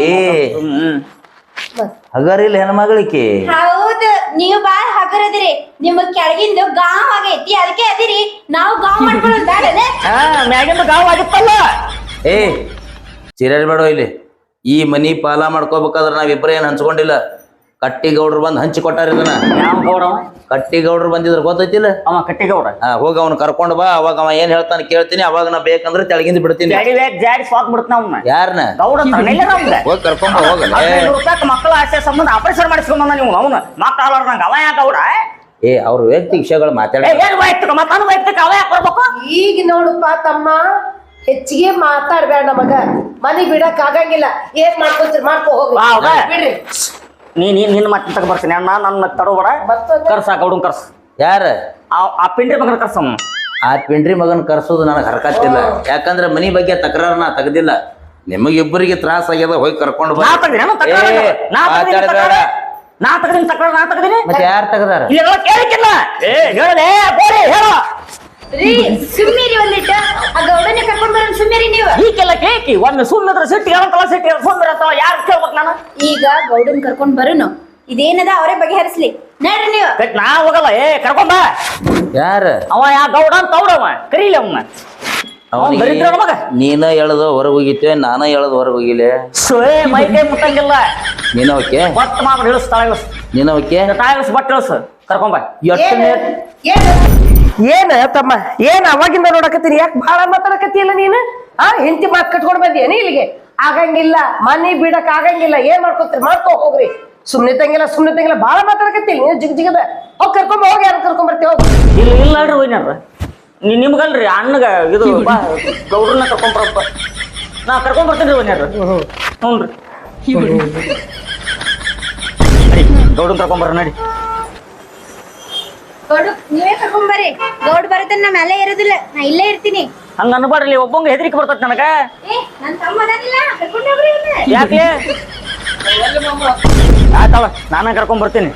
[SPEAKER 2] ಹಗರಿಲ್ಲ ಹೆಣ್ಮಗಳಿಕಿ
[SPEAKER 3] ಹೌದು ನೀವು ಬಾಳ ಹಗರದಿರಿ ನಿಮಗ್ ಕೆಳಗಿಂದ ಗಾವ್ ಆಗೈತಿ ಅದಕ್ಕೆ ಅದಿರಿ ನಾವು ಗಾವ್ ಮಾಡ್ಕೊಳ್ಳೋದು ಬೇಡನೆ
[SPEAKER 4] ಮ್ಯಾಗಿಂದ ಗಾವ್ ಆಗಿತ್ತಲ್ಲ
[SPEAKER 2] ಏ ಚೀರಾಡ್ಬೇಡ ಇಲ್ಲಿ ಈ ಮನಿ ಪಾಲ ಮಾಡ್ಕೋಬೇಕಾದ್ರ ನಾವಿಬ್ರ ಏನ್ ಹಂಚ್ಕೊಂಡಿಲ್ಲ ಕಟ್ಟಿಗೌಡ್ರು ಬಂದ್ ಹಂಚಿ ಕೊಟ್ಟಾರ ಇದನ್ನ
[SPEAKER 4] ಯಾವ ಗೌಡವ
[SPEAKER 2] ಕಟ್ಟಿಗೌಡ್ರು ಬಂದಿದ್ರ ಗೊತ್ತೈತಿಲ್ಲ
[SPEAKER 4] ಅವ ಕಟ್ಟಿಗೌಡ
[SPEAKER 2] ಹೋಗಿ ಅವ್ನ ಕರ್ಕೊಂಡ್ ಬಾ ಅವಾಗ ಅವ ಏನ್ ಹೇಳ್ತಾನ ಕೇಳ್ತೀನಿ ಅವಾಗ ನಾ ಬೇಕಂದ್ರೆ ತೆಳಗಿಂದ ಬಿಡ್ತೀನಿ
[SPEAKER 4] ಜಾಡಿ ಸ್ವಾತ್ ಬಿಡ್ತಾನ ಅವ್ನ
[SPEAKER 2] ಯಾರನ್ನ
[SPEAKER 4] ಗೌಡ
[SPEAKER 2] ಹೋಗಿ ಕರ್ಕೊಂಡ್ ಬಾ ಹೋಗಲ್ಲ
[SPEAKER 4] ಮಕ್ಕಳ ಆಸೆ ಸಂಬಂಧ ಆಪರೇಷನ್ ಮಾಡಿಸ್ಕೊಂಬಂದ ನೀವು ಅವನು ಮಾತಾಡೋರ್ನಂಗ ಅವ ಯಾಕೆ ಗೌಡ
[SPEAKER 2] ಏ ಅವ್ರ ವೈಯಕ್ತಿಕ ವಿಷಯಗಳು ಮಾತಾಡ
[SPEAKER 4] ಏನ್ ವೈಯಕ್ತಿಕ ಮತ್ತಾನು ವೈಯಕ್ತಿಕ ಅವ ಯಾಕೆ ಬರ್ಬೇಕು
[SPEAKER 1] ಈಗ ನೋಡಪ್ಪ ತಮ್ಮ ಹೆಚ್ಚಿಗೆ ಮಾತಾಡ್ಬೇಡ ನಮಗ ಮನಿ ಬಿಡಕ್ ಆಗಂಗಿಲ್ಲ ಏನ್ ಮಾಡ್ಕೊತೀರಿ ಮಾಡ್ಕೊ ಹೋಗ್ರಿ
[SPEAKER 4] ಬಾ, ಹೋಗ.
[SPEAKER 1] ಬಿಡ್ರಿ
[SPEAKER 4] ನಿನ್ನ ಮತ್ತೆ ತಗ ಬರ್ತೀನಿ ಅಣ್ಣ ನನ್ನ ತಡೋಬೇಡ
[SPEAKER 1] ಮತ್ತೊಂದು?
[SPEAKER 4] ಕರ್ಸ ಗೌಡನ್ ಕರ್ಸ
[SPEAKER 2] ಯಾರ
[SPEAKER 4] ಆ ಪಿಂಡ್ರಿ ಮಗನ ಕರ್ಸಮ್ಮ
[SPEAKER 2] ಆ ಪಿಂಡ್ರಿ ಮಗನ್ ಕರ್ಸೋದು ನನಗೆ ಹರಕತ್ತಿಲ್ಲ ಯಾಕಂದ್ರ ಮನಿ ಬಗ್ಗೆ ತಕರಾರ ನಾ ತೆಗ್ದಿಲ್ಲ ನಿಮಗಿಬ್ಬರಿಗೆ ತ್ರಾಸ ಆಗ್ಯದ ಹೋಗಿ ಕರ್ಕೊಂಡು
[SPEAKER 4] ನಾ ತೆಗ್ದಿನಿ ಅಣ್ಣ, ತಕರಾರು
[SPEAKER 2] ಏ,
[SPEAKER 4] ನಾ ತೆಗ್ದಿನಿ
[SPEAKER 2] ಮಾತಾಡ್ಬೇಡ.
[SPEAKER 4] ತಕರಾರು. ನಾ ತೆಗ್ದಿನಿ ತಕರಾರು, ನಾ ತೆಗ್ದಿನಿ
[SPEAKER 2] ಮತ್ತೆ ಯಾರು ತೆಗ್ದಾರ
[SPEAKER 4] ಇಲ್ಲ ಕೇಳಿಕ್ಕಿಲ್ಲ ಹೇಳಲೇ ಬೋರಿ ಹೇಳೋ
[SPEAKER 3] ರೀ ಸುಮ್ಮಿರಿ ಒಂದಿಟ್ಟ ಆ ಗೌಡನೆ ಕರ್ಕೊಂಡ್ ಬರೋಣ ಸುಮ್ಮಿರಿ ನೀವು
[SPEAKER 4] ಈಕೆಲ್ಲ ಕೇಕಿ ಒಮ್ಮೆ ಸುಮ್ಮನೆ ಸಿಟ್ಟಿ ಹೇಳಂತಲ್ಲ ಸಿಟ್ಟಿ ಸುಮ್ಮನೆ ಅಂತ ಯಾರು ಕೇಳ್ಬೇಕು ನಾನು
[SPEAKER 3] ಈಗ ಗೌಡನ್ ಕರ್ಕೊಂಡ್ ಬರೋನು ಇದೇನದ ಅವರೇ ಬಗೆಹರಿಸ್ಲಿ ನೋಡ್ರಿ ನೀವು
[SPEAKER 4] ನಾ ಹೋಗಲ್ಲ ಕರ್ಕೊಂಡ
[SPEAKER 2] ಯಾರ
[SPEAKER 4] ಅವ ಯಾ ಗೌಡ ಅಂತ ಅವಡವ ಕರೀಲಿ ಅವನ್ನ
[SPEAKER 2] ಅವನಿಗೆ
[SPEAKER 4] ಬರಿದ್ರ ಮಗ
[SPEAKER 2] ನೀನ ಎಳ್ದು ಹೊರಗೆ ಹೋಗಿತ್ತೇವೆ ನಾನ ಎಳ್ದು ಹೊರಗೆ ಹೋಗಿಲೆ
[SPEAKER 4] ಸೋಯ್ ಮೈ ಕೈ ಮುಟ್ಟಂಗಿಲ್ಲ
[SPEAKER 2] ನೀನ ಓಕೆ
[SPEAKER 4] ಬಟ್ ಮಾಡಿ ಇಳಿಸ್ ತಾಳಿಸ್
[SPEAKER 2] ನೀನ ಓಕೆ
[SPEAKER 4] ತಾಳಿಸ್ ಬಟ್ ಇಳಿಸ್ ಕರ್ಕೊಂಬ
[SPEAKER 1] ಏನ ತಮ್ಮ ಏನ್ ಅವಾಗಿಂದ ನೋಡಕತ್ತೀನಿ ಯಾಕೆ ಬಹಳ ಮಾತಾಡಕತ್ತಿಲ್ಲ ನೀನು ಹೆಂಡತಿ ಮಾತ್ ಕಟ್ಕೊಂಡ್ ಬಂದಿಯೇನಿ ಇಲ್ಲಿಗೆ ಆಗಂಗಿಲ್ಲ ಮನಿ ಬಿಡಕ್ ಆಗಂಗಿಲ್ಲ ಏನ್ ಮಾಡ್ಕೊತೀರಿ ಮಾಡ್ಕೊ ಹೋಗ್ರಿ ಸುಮ್ನೆ ತಂಗಿಲ್ಲ ಬಹಳ ಮಾತಾಡಕತ್ತಿಲ್ಲ ನೀನು ಜಿಗದ ಹೋಗ್ ಕರ್ಕೊಂಡ್ ಹೋಗಿ ಯಾರು ಕರ್ಕೊಂಡ್ ಬರ್ತೀವಿ ಹೋಗಿ
[SPEAKER 4] ಇಲ್ಲ ಇಲ್ಲ ಅಲ್ರಿ ಹೋಯ್ನಾರ ನಿಮ್ಗಲ್ರಿ ಅಣ್ಣಗ ಇದು ಬಾ ಗೌಡ್ರನ್ನ ಕರ್ಕೊಂಬರಪ್ಪ ನಾ ಕರ್ಕೊಂಡ್ ಬರ್ತೀನಿ ಹೋಯ್ನಾರ ಹ್ಞೂ ರೀ ನಡಿ ಗೌಡನ್ ಕರ್ಕೊಂಬರ್ರಿ ನಡಿ
[SPEAKER 3] ಗೌಡು ನೀವೇ ಕರ್ಕೊಂಡ್ ಬರ್ರಿ ಗೌಡ್ ಬರತನ ನಾ ಮೇಲೆ ಇರೋದಿಲ್ಲ ನಾ ಇಲ್ಲೇ ಇರ್ತೀನಿ
[SPEAKER 4] ಹಂಗ ಅನ್ಬಾರ್ಲಿ ಒಬ್ಬಂಗ ಹೆದರಿಕೆ ಬರ್ತೈತಿ ನನಗ
[SPEAKER 3] ನನ್ ತಮ್ಮ ಅದಾನಿಲ್ಲ ಕರ್ಕೊಂಡ್ ಹೋಗ್ರಿ ಇವ್ನ.
[SPEAKER 4] ಯಾಕೆ ಆಯ್ತವ ನಾನ ಕರ್ಕೊಂಡ್ ಬರ್ತೀನಿ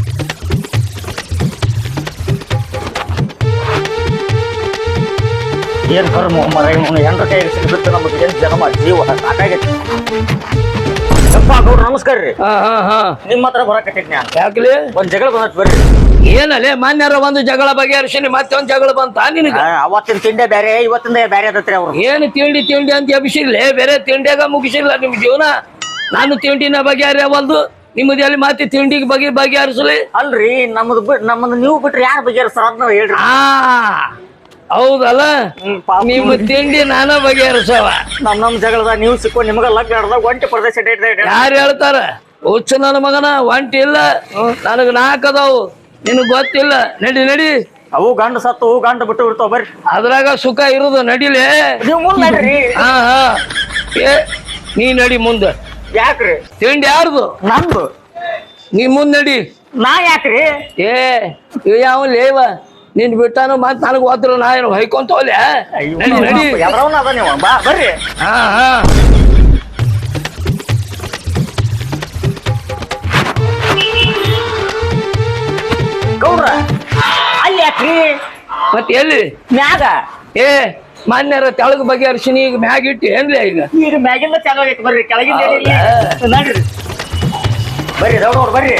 [SPEAKER 4] ಏನ್ ಕರ್ಮ ಮರ ಹೆಂಡ್ರ ಕೈಗೆ ಸಿಗ್ಬಿಟ್ಟು ನಮಗೆ ಏನ್ ಜನ್ಮ ಜೀವ ಸಾಕಾಗೈತಿ ಯಪ್ಪ ಗೌಡ್ರ ನಮಸ್ಕಾರ ರೀ ನಿಮ್ಮ ಹತ್ರ ಬರಕತ್ತೈತಿ ನಾನು
[SPEAKER 5] ಯಾಕಲೆ
[SPEAKER 4] ಒಂದ್ ಜಗಳ ಬಂದತ್ ಬರ್ರಿ
[SPEAKER 5] ಏನಲ್ಲೇ ಮಾನ್ಯರ ಒಂದು ಜಗಳ ಬಗೆಹರಿಸಿನಿ ಮತ್ತೆ ಒಂದ್ ಜಗಳ ಬಂತ ನಿನಗ
[SPEAKER 4] ಅವತ್ತಿನ ತಿಂಡೆ ಬೇರೆ ಇವತ್ತಿಂದ ಬೇರೆ ಅದತ್ರಿ ಅವ್ರು
[SPEAKER 5] ಏನು ತಿಂಡಿ ಅಂತ ಎಬ್ಸಿರ್ಲೆ ಬೇರೆ ತಿಂಡಿಯಾಗ ಮುಗಿಸಿಲ್ಲ ನಿಮ್ ಜೀವನ ನಾನು ತಿಂಡಿನ ಬಗೆಹರಿಯವಲ್ದು ನಿಮ್ಮದು ಎಲ್ಲಿ ಮತ್ತೆ ತಿಂಡಿಗೆ ಬಗೆಹರಿಸಲಿ
[SPEAKER 4] ಅಲ್ರಿ ನಮ್ಮದು ನೀವು ಬಿಟ್ರೆ ಯಾರು ಬಗೆಹರಿಸ್ತಾರ ಅದನ್ನ ಹೇಳ್ರಿ
[SPEAKER 5] ಹೌದಲ್ಲ ನಿಮ್ಮ ತಿಂಡಿ ನಾನ ಬಗೆಹರಿಸವ
[SPEAKER 4] ನಮ್ ಜಗಳದ ನೀವು ಸಿಕ್ಕೊಂಡು ನಿಮಗ ಲಗ್ನ ನಡೆದಾಗ ಒಂಟಿ ಪ್ರದೇಶ
[SPEAKER 5] ಯಾರು ಹೇಳ್ತಾರ ಹುಚ್ಚ ನನ್ನ ಮಗನ ಒಂಟಿ ಇಲ್ಲ ನನಗ್ ನಾಲ್ಕು ಅದಾವು ನಿನಗ್ ಗೊತ್ತಿಲ್ಲ ನಡಿ
[SPEAKER 4] ಅವು ಗಂಡ ಸತ್ತು ಗಂಡ ಬಿಟ್ಟು ಬಿಡ್ತಾವ ಬರ್ರಿ
[SPEAKER 5] ಅದ್ರಾಗ ಸುಖ ಇರುದು ನಡಿಲೆ
[SPEAKER 4] ನೀವು ಮುಂದ್ ನಡ್ರಿ
[SPEAKER 5] ಹಾ ಏ ನೀ ನಡಿ ಮುಂದ
[SPEAKER 4] ಯಾಕ್ರಿ
[SPEAKER 5] ತಿಂಡಿ ಯಾರ್ದು
[SPEAKER 4] ನಂದು
[SPEAKER 5] ನೀ ಮುಂದ್ ನಡಿ
[SPEAKER 4] ನಾ ಯಾಕ್ರಿ
[SPEAKER 5] ಏ ಯಾವ ಲೇವ ನಿನ್ ಬಿಟ್ಟಾನು ಮತ್ ನನಗ್ ಹೋದ್ರು ನಾ ಏನು ಹೊಯ್ಕೊಂತ ಹೋಗ್ಲೆ ನಡಿ
[SPEAKER 4] ಯಾವ್ರವನ್ನ ಅದ ನೀವು ಬಾ ಬರ್ರಿ
[SPEAKER 5] ಹಾ
[SPEAKER 4] ಗೌಡ್ರ ಅಲ್ಲಿ ಯಾಕ್ರಿ
[SPEAKER 5] ಮತ್ ಎಲ್ಲಿ
[SPEAKER 4] ಮ್ಯಾಗ
[SPEAKER 5] ಏ ಮಾನ್ಯರ ತೆಳಗ್ ಬಗೆಹರಿಸಿನಿ ಈಗ ಮ್ಯಾಗ ಇಟ್ಟು ಏನ್ಲೇ ಈಗ
[SPEAKER 4] ಮ್ಯಾಗಿಂದ ಚೆನ್ನಾಗೈತಿ ಬರ್ರಿ ಕೆಳಗಿಂದ ಏನಿಲ್ಲ. ನಡ್ರಿ ಬರ್ರಿ ದೌಡವ್ರು ಬರ್ರಿ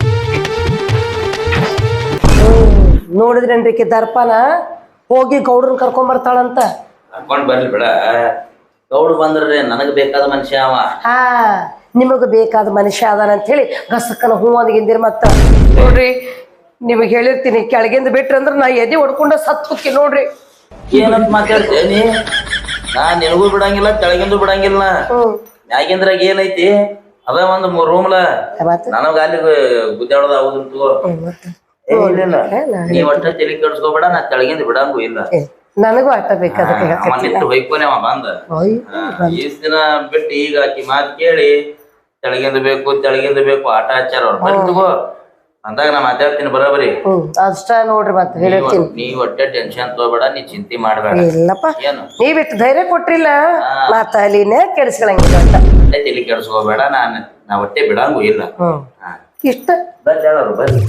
[SPEAKER 1] ನೋಡಿದ್ರೇನ್ರಿ ದರ್ಪನ ಹೋಗಿ ಗೌಡ್ರನ್ ಕರ್ಕೊಂಡ್ ಬರ್ತಾಳಂತ
[SPEAKER 2] ಕರ್ಕೊಂಡ್ ಬರ್ಲಿ ಬಿಡ ಗೌಡ್ ಬಂದ್ರಿ ನನಗ್ ಬೇಕಾದ ಮನುಷ್ಯ ಅವ
[SPEAKER 1] ನಿಮಗ ಬೇಕಾದ ಮನುಷ್ಯ ಅದಾನ ಅಂತ ಹೇಳಿ ಗಸಕ್ಕನ ಹೂ ಅಂದಿಗಿಂದಿರಿ ಮತ್ತ ನೋಡ್ರಿ ನಿಮಗ್ ಹೇಳಿರ್ತೀನಿ ಕೆಳಗಿಂದ ಬಿಟ್ರಂದ್ರ ನಾ ಎದೆ ಹೊಡ್ಕೊಂಡ ಸತ್ ಹೋಗ್ತೀನಿ ನೋಡ್ರಿ
[SPEAKER 2] ಏನಂತ ಮಾತಾಡ್ತೇ ನೀ ನಾ ನಿನಗೂ ಬಿಡಂಗಿಲ್ಲ ತೆಳಗಿಂದು ಬಿಡಂಗಿಲ್ಲ ಮ್ಯಾಗಿಂದ್ರಾಗ ಏನೈತಿ ಅದ ಒಂದ್ ರೂಮ್ಲ ನನಗ ಅಲ್ಲಿ ಗುದ್ದಾಡೋದು ಆಗುದಂತು ಇಲ್ಲ ನೀ ಒಟ್ಟ ತಲೆ ಕೆಡ್ಸ್ಕೊಬೇಡ ನಾ ತೆಳಗಿಂದ ಬಿಡಂಗೂ ಇಲ್ಲ
[SPEAKER 1] ನನಗೂ ಆಟ ಬೇಕಾದ್ರೆ
[SPEAKER 2] ಅವನಿಟ್ಟು ಹೊಯ್ಕೋನೆ ಅವ ಬಂದ ಈಸ್ ದಿನ ಬಿಟ್ಟು ಈಗ ಆಕಿ ಮಾತ್ ಕೇಳಿ ತೆಳಗಿಂದ ಬೇಕು ಆಟ ಹಚ್ಚಾರ ಅವ್ರು ಬರೀ ತಗೋ ಅಂದಾಗ ನಾ ಮಾತಾಡ್ತೀನಿ ಬರೋಬರಿ
[SPEAKER 1] ಅಷ್ಟ ನೋಡ್ರಿ ಮತ್ತೆ ಹೇಳಿರ್ತೀನಿ
[SPEAKER 2] ನೀ ಒಟ್ಟೆ ಟೆನ್ಷನ್ ತಗೋಬೇಡ ನೀ ಚಿಂತೆ ಮಾಡ್ಬೇಡ
[SPEAKER 1] ಇಲ್ಲಪ್ಪ
[SPEAKER 2] ಏನು
[SPEAKER 1] ನೀವಿಟ್ಟು ಧೈರ್ಯ ಕೊಟ್ರಿಲ್ಲ ಮತ್ತ ಅಲ್ಲಿನೇ ಕೆಡಿಸ್ಕೊಳಂಗಿಲ್ಲ ಒಟ್ಟ
[SPEAKER 2] ಒಟ್ಟೆ ತಲೆ ಕೆಡ್ಸ್ಕೋಬೇಡ ನಾ ಒಟ್ಟೆ ಬಿಡಂಗೂ ಇಲ್ಲ
[SPEAKER 1] ಇಷ್ಟ
[SPEAKER 2] ಬರ್ರಿ ಹೇಳೋರು ಬರ್ರಿ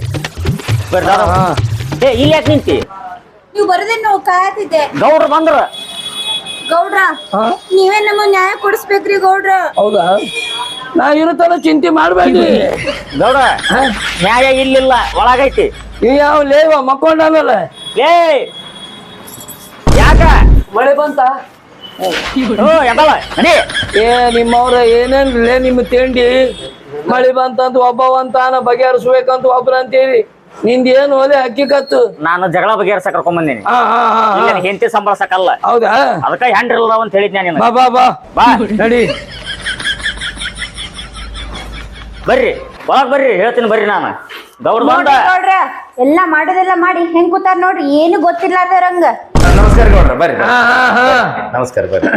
[SPEAKER 4] ಏ ಇಲ್ಲಿ ಯಾಕೆ ನಿಂತಿ
[SPEAKER 3] ನೀವು ಬರೋದೇನು ಕಾಯತಿದ್ದೆ
[SPEAKER 4] ಗೌಡ್ರು ಬಂದ್ರ
[SPEAKER 3] ಗೌಡ್ರ ನೀವೇ ನಮ್ಮ ನ್ಯಾಯ ಕೊಡಿಸ್ಬೇಕ್ರಿ ಗೌಡ್ರ
[SPEAKER 5] ಹೌದಾ ನಾ ಇರುತ್ತಲ್ಲ ಚಿಂತೆ ಮಾಡ್ಬೇಡಿ
[SPEAKER 4] ಗೌಡ ನ್ಯಾಯ ಇಲ್ಲಿಲ್ಲ ಒಳಗೈತಿ
[SPEAKER 5] ಇವ್ ಯಾವ ಲೇವ ಮಕ್ಕೊಂಡಲ್ಲ
[SPEAKER 4] ಏ ಯಾಕ
[SPEAKER 5] ಮಳೆ ಬಂತ
[SPEAKER 4] ಎದ್ದಲ್ಲ ನಡಿ
[SPEAKER 5] ಏ ನಿಮ್ಮವ್ರ ಏನೇನ್ಲೇ ನಿಮ್ಮ ತಿಂಡಿ ಮಳಿ ಬಂತಂತ ಒಬ್ಬವಂತಾನ ಬಗೆಹರಿಸ್ಬೇಕಂತ ಒಬ್ರ ಅಂತೇಳಿ ನಿಂದೇನು ಒಲೆ ಅಕ್ಕಿ ಕತ್ತು
[SPEAKER 4] ನಾನು ಜಗಳ ಬಗೆಹರ್ಸಕ್ ಕರ್ಕೊಂಡ್ ಬಂದೀನಿ ಹೆಂಡತಿ ಸಂಬಳಸಕ್ಕಲ್ಲ
[SPEAKER 5] ಹೌದಾ
[SPEAKER 4] ಅದಕ್ಕ ಹೆಂಡ್ರಿಲ್ಲ ಅಂತ ಹೇಳಿದ್ನ ನೀನು
[SPEAKER 5] ಬಾ ಬಾ ಬಾ
[SPEAKER 4] ಬಾ
[SPEAKER 5] ನಡಿ
[SPEAKER 4] ಬರ್ರಿ ಒಳಗ್ ಬರ್ರಿ ಹೇಳ್ತೀನಿ ಬರ್ರಿ ನಾನು ಗೌಡ್ ಬಂದ
[SPEAKER 3] ಗೌಡ್ರ ಎಲ್ಲಾ ಮಾಡೋದೆಲ್ಲ ಮಾಡಿ ಹೆಂಗ್ ಕೂತಾರ ನೋಡ್ರಿ ಏನು ಗೊತ್ತಿರ್ಲಾರ್ದವ್ರಂಗ
[SPEAKER 6] ನಮಸ್ಕಾರ
[SPEAKER 2] ನಮಸ್ಕಾರ ಗೌಡ್ರ ಬರ್ರಿ
[SPEAKER 5] ಹಾ ಹಾ ಹಾ
[SPEAKER 2] ನಮಸ್ಕಾರ ಬರ್ರಿ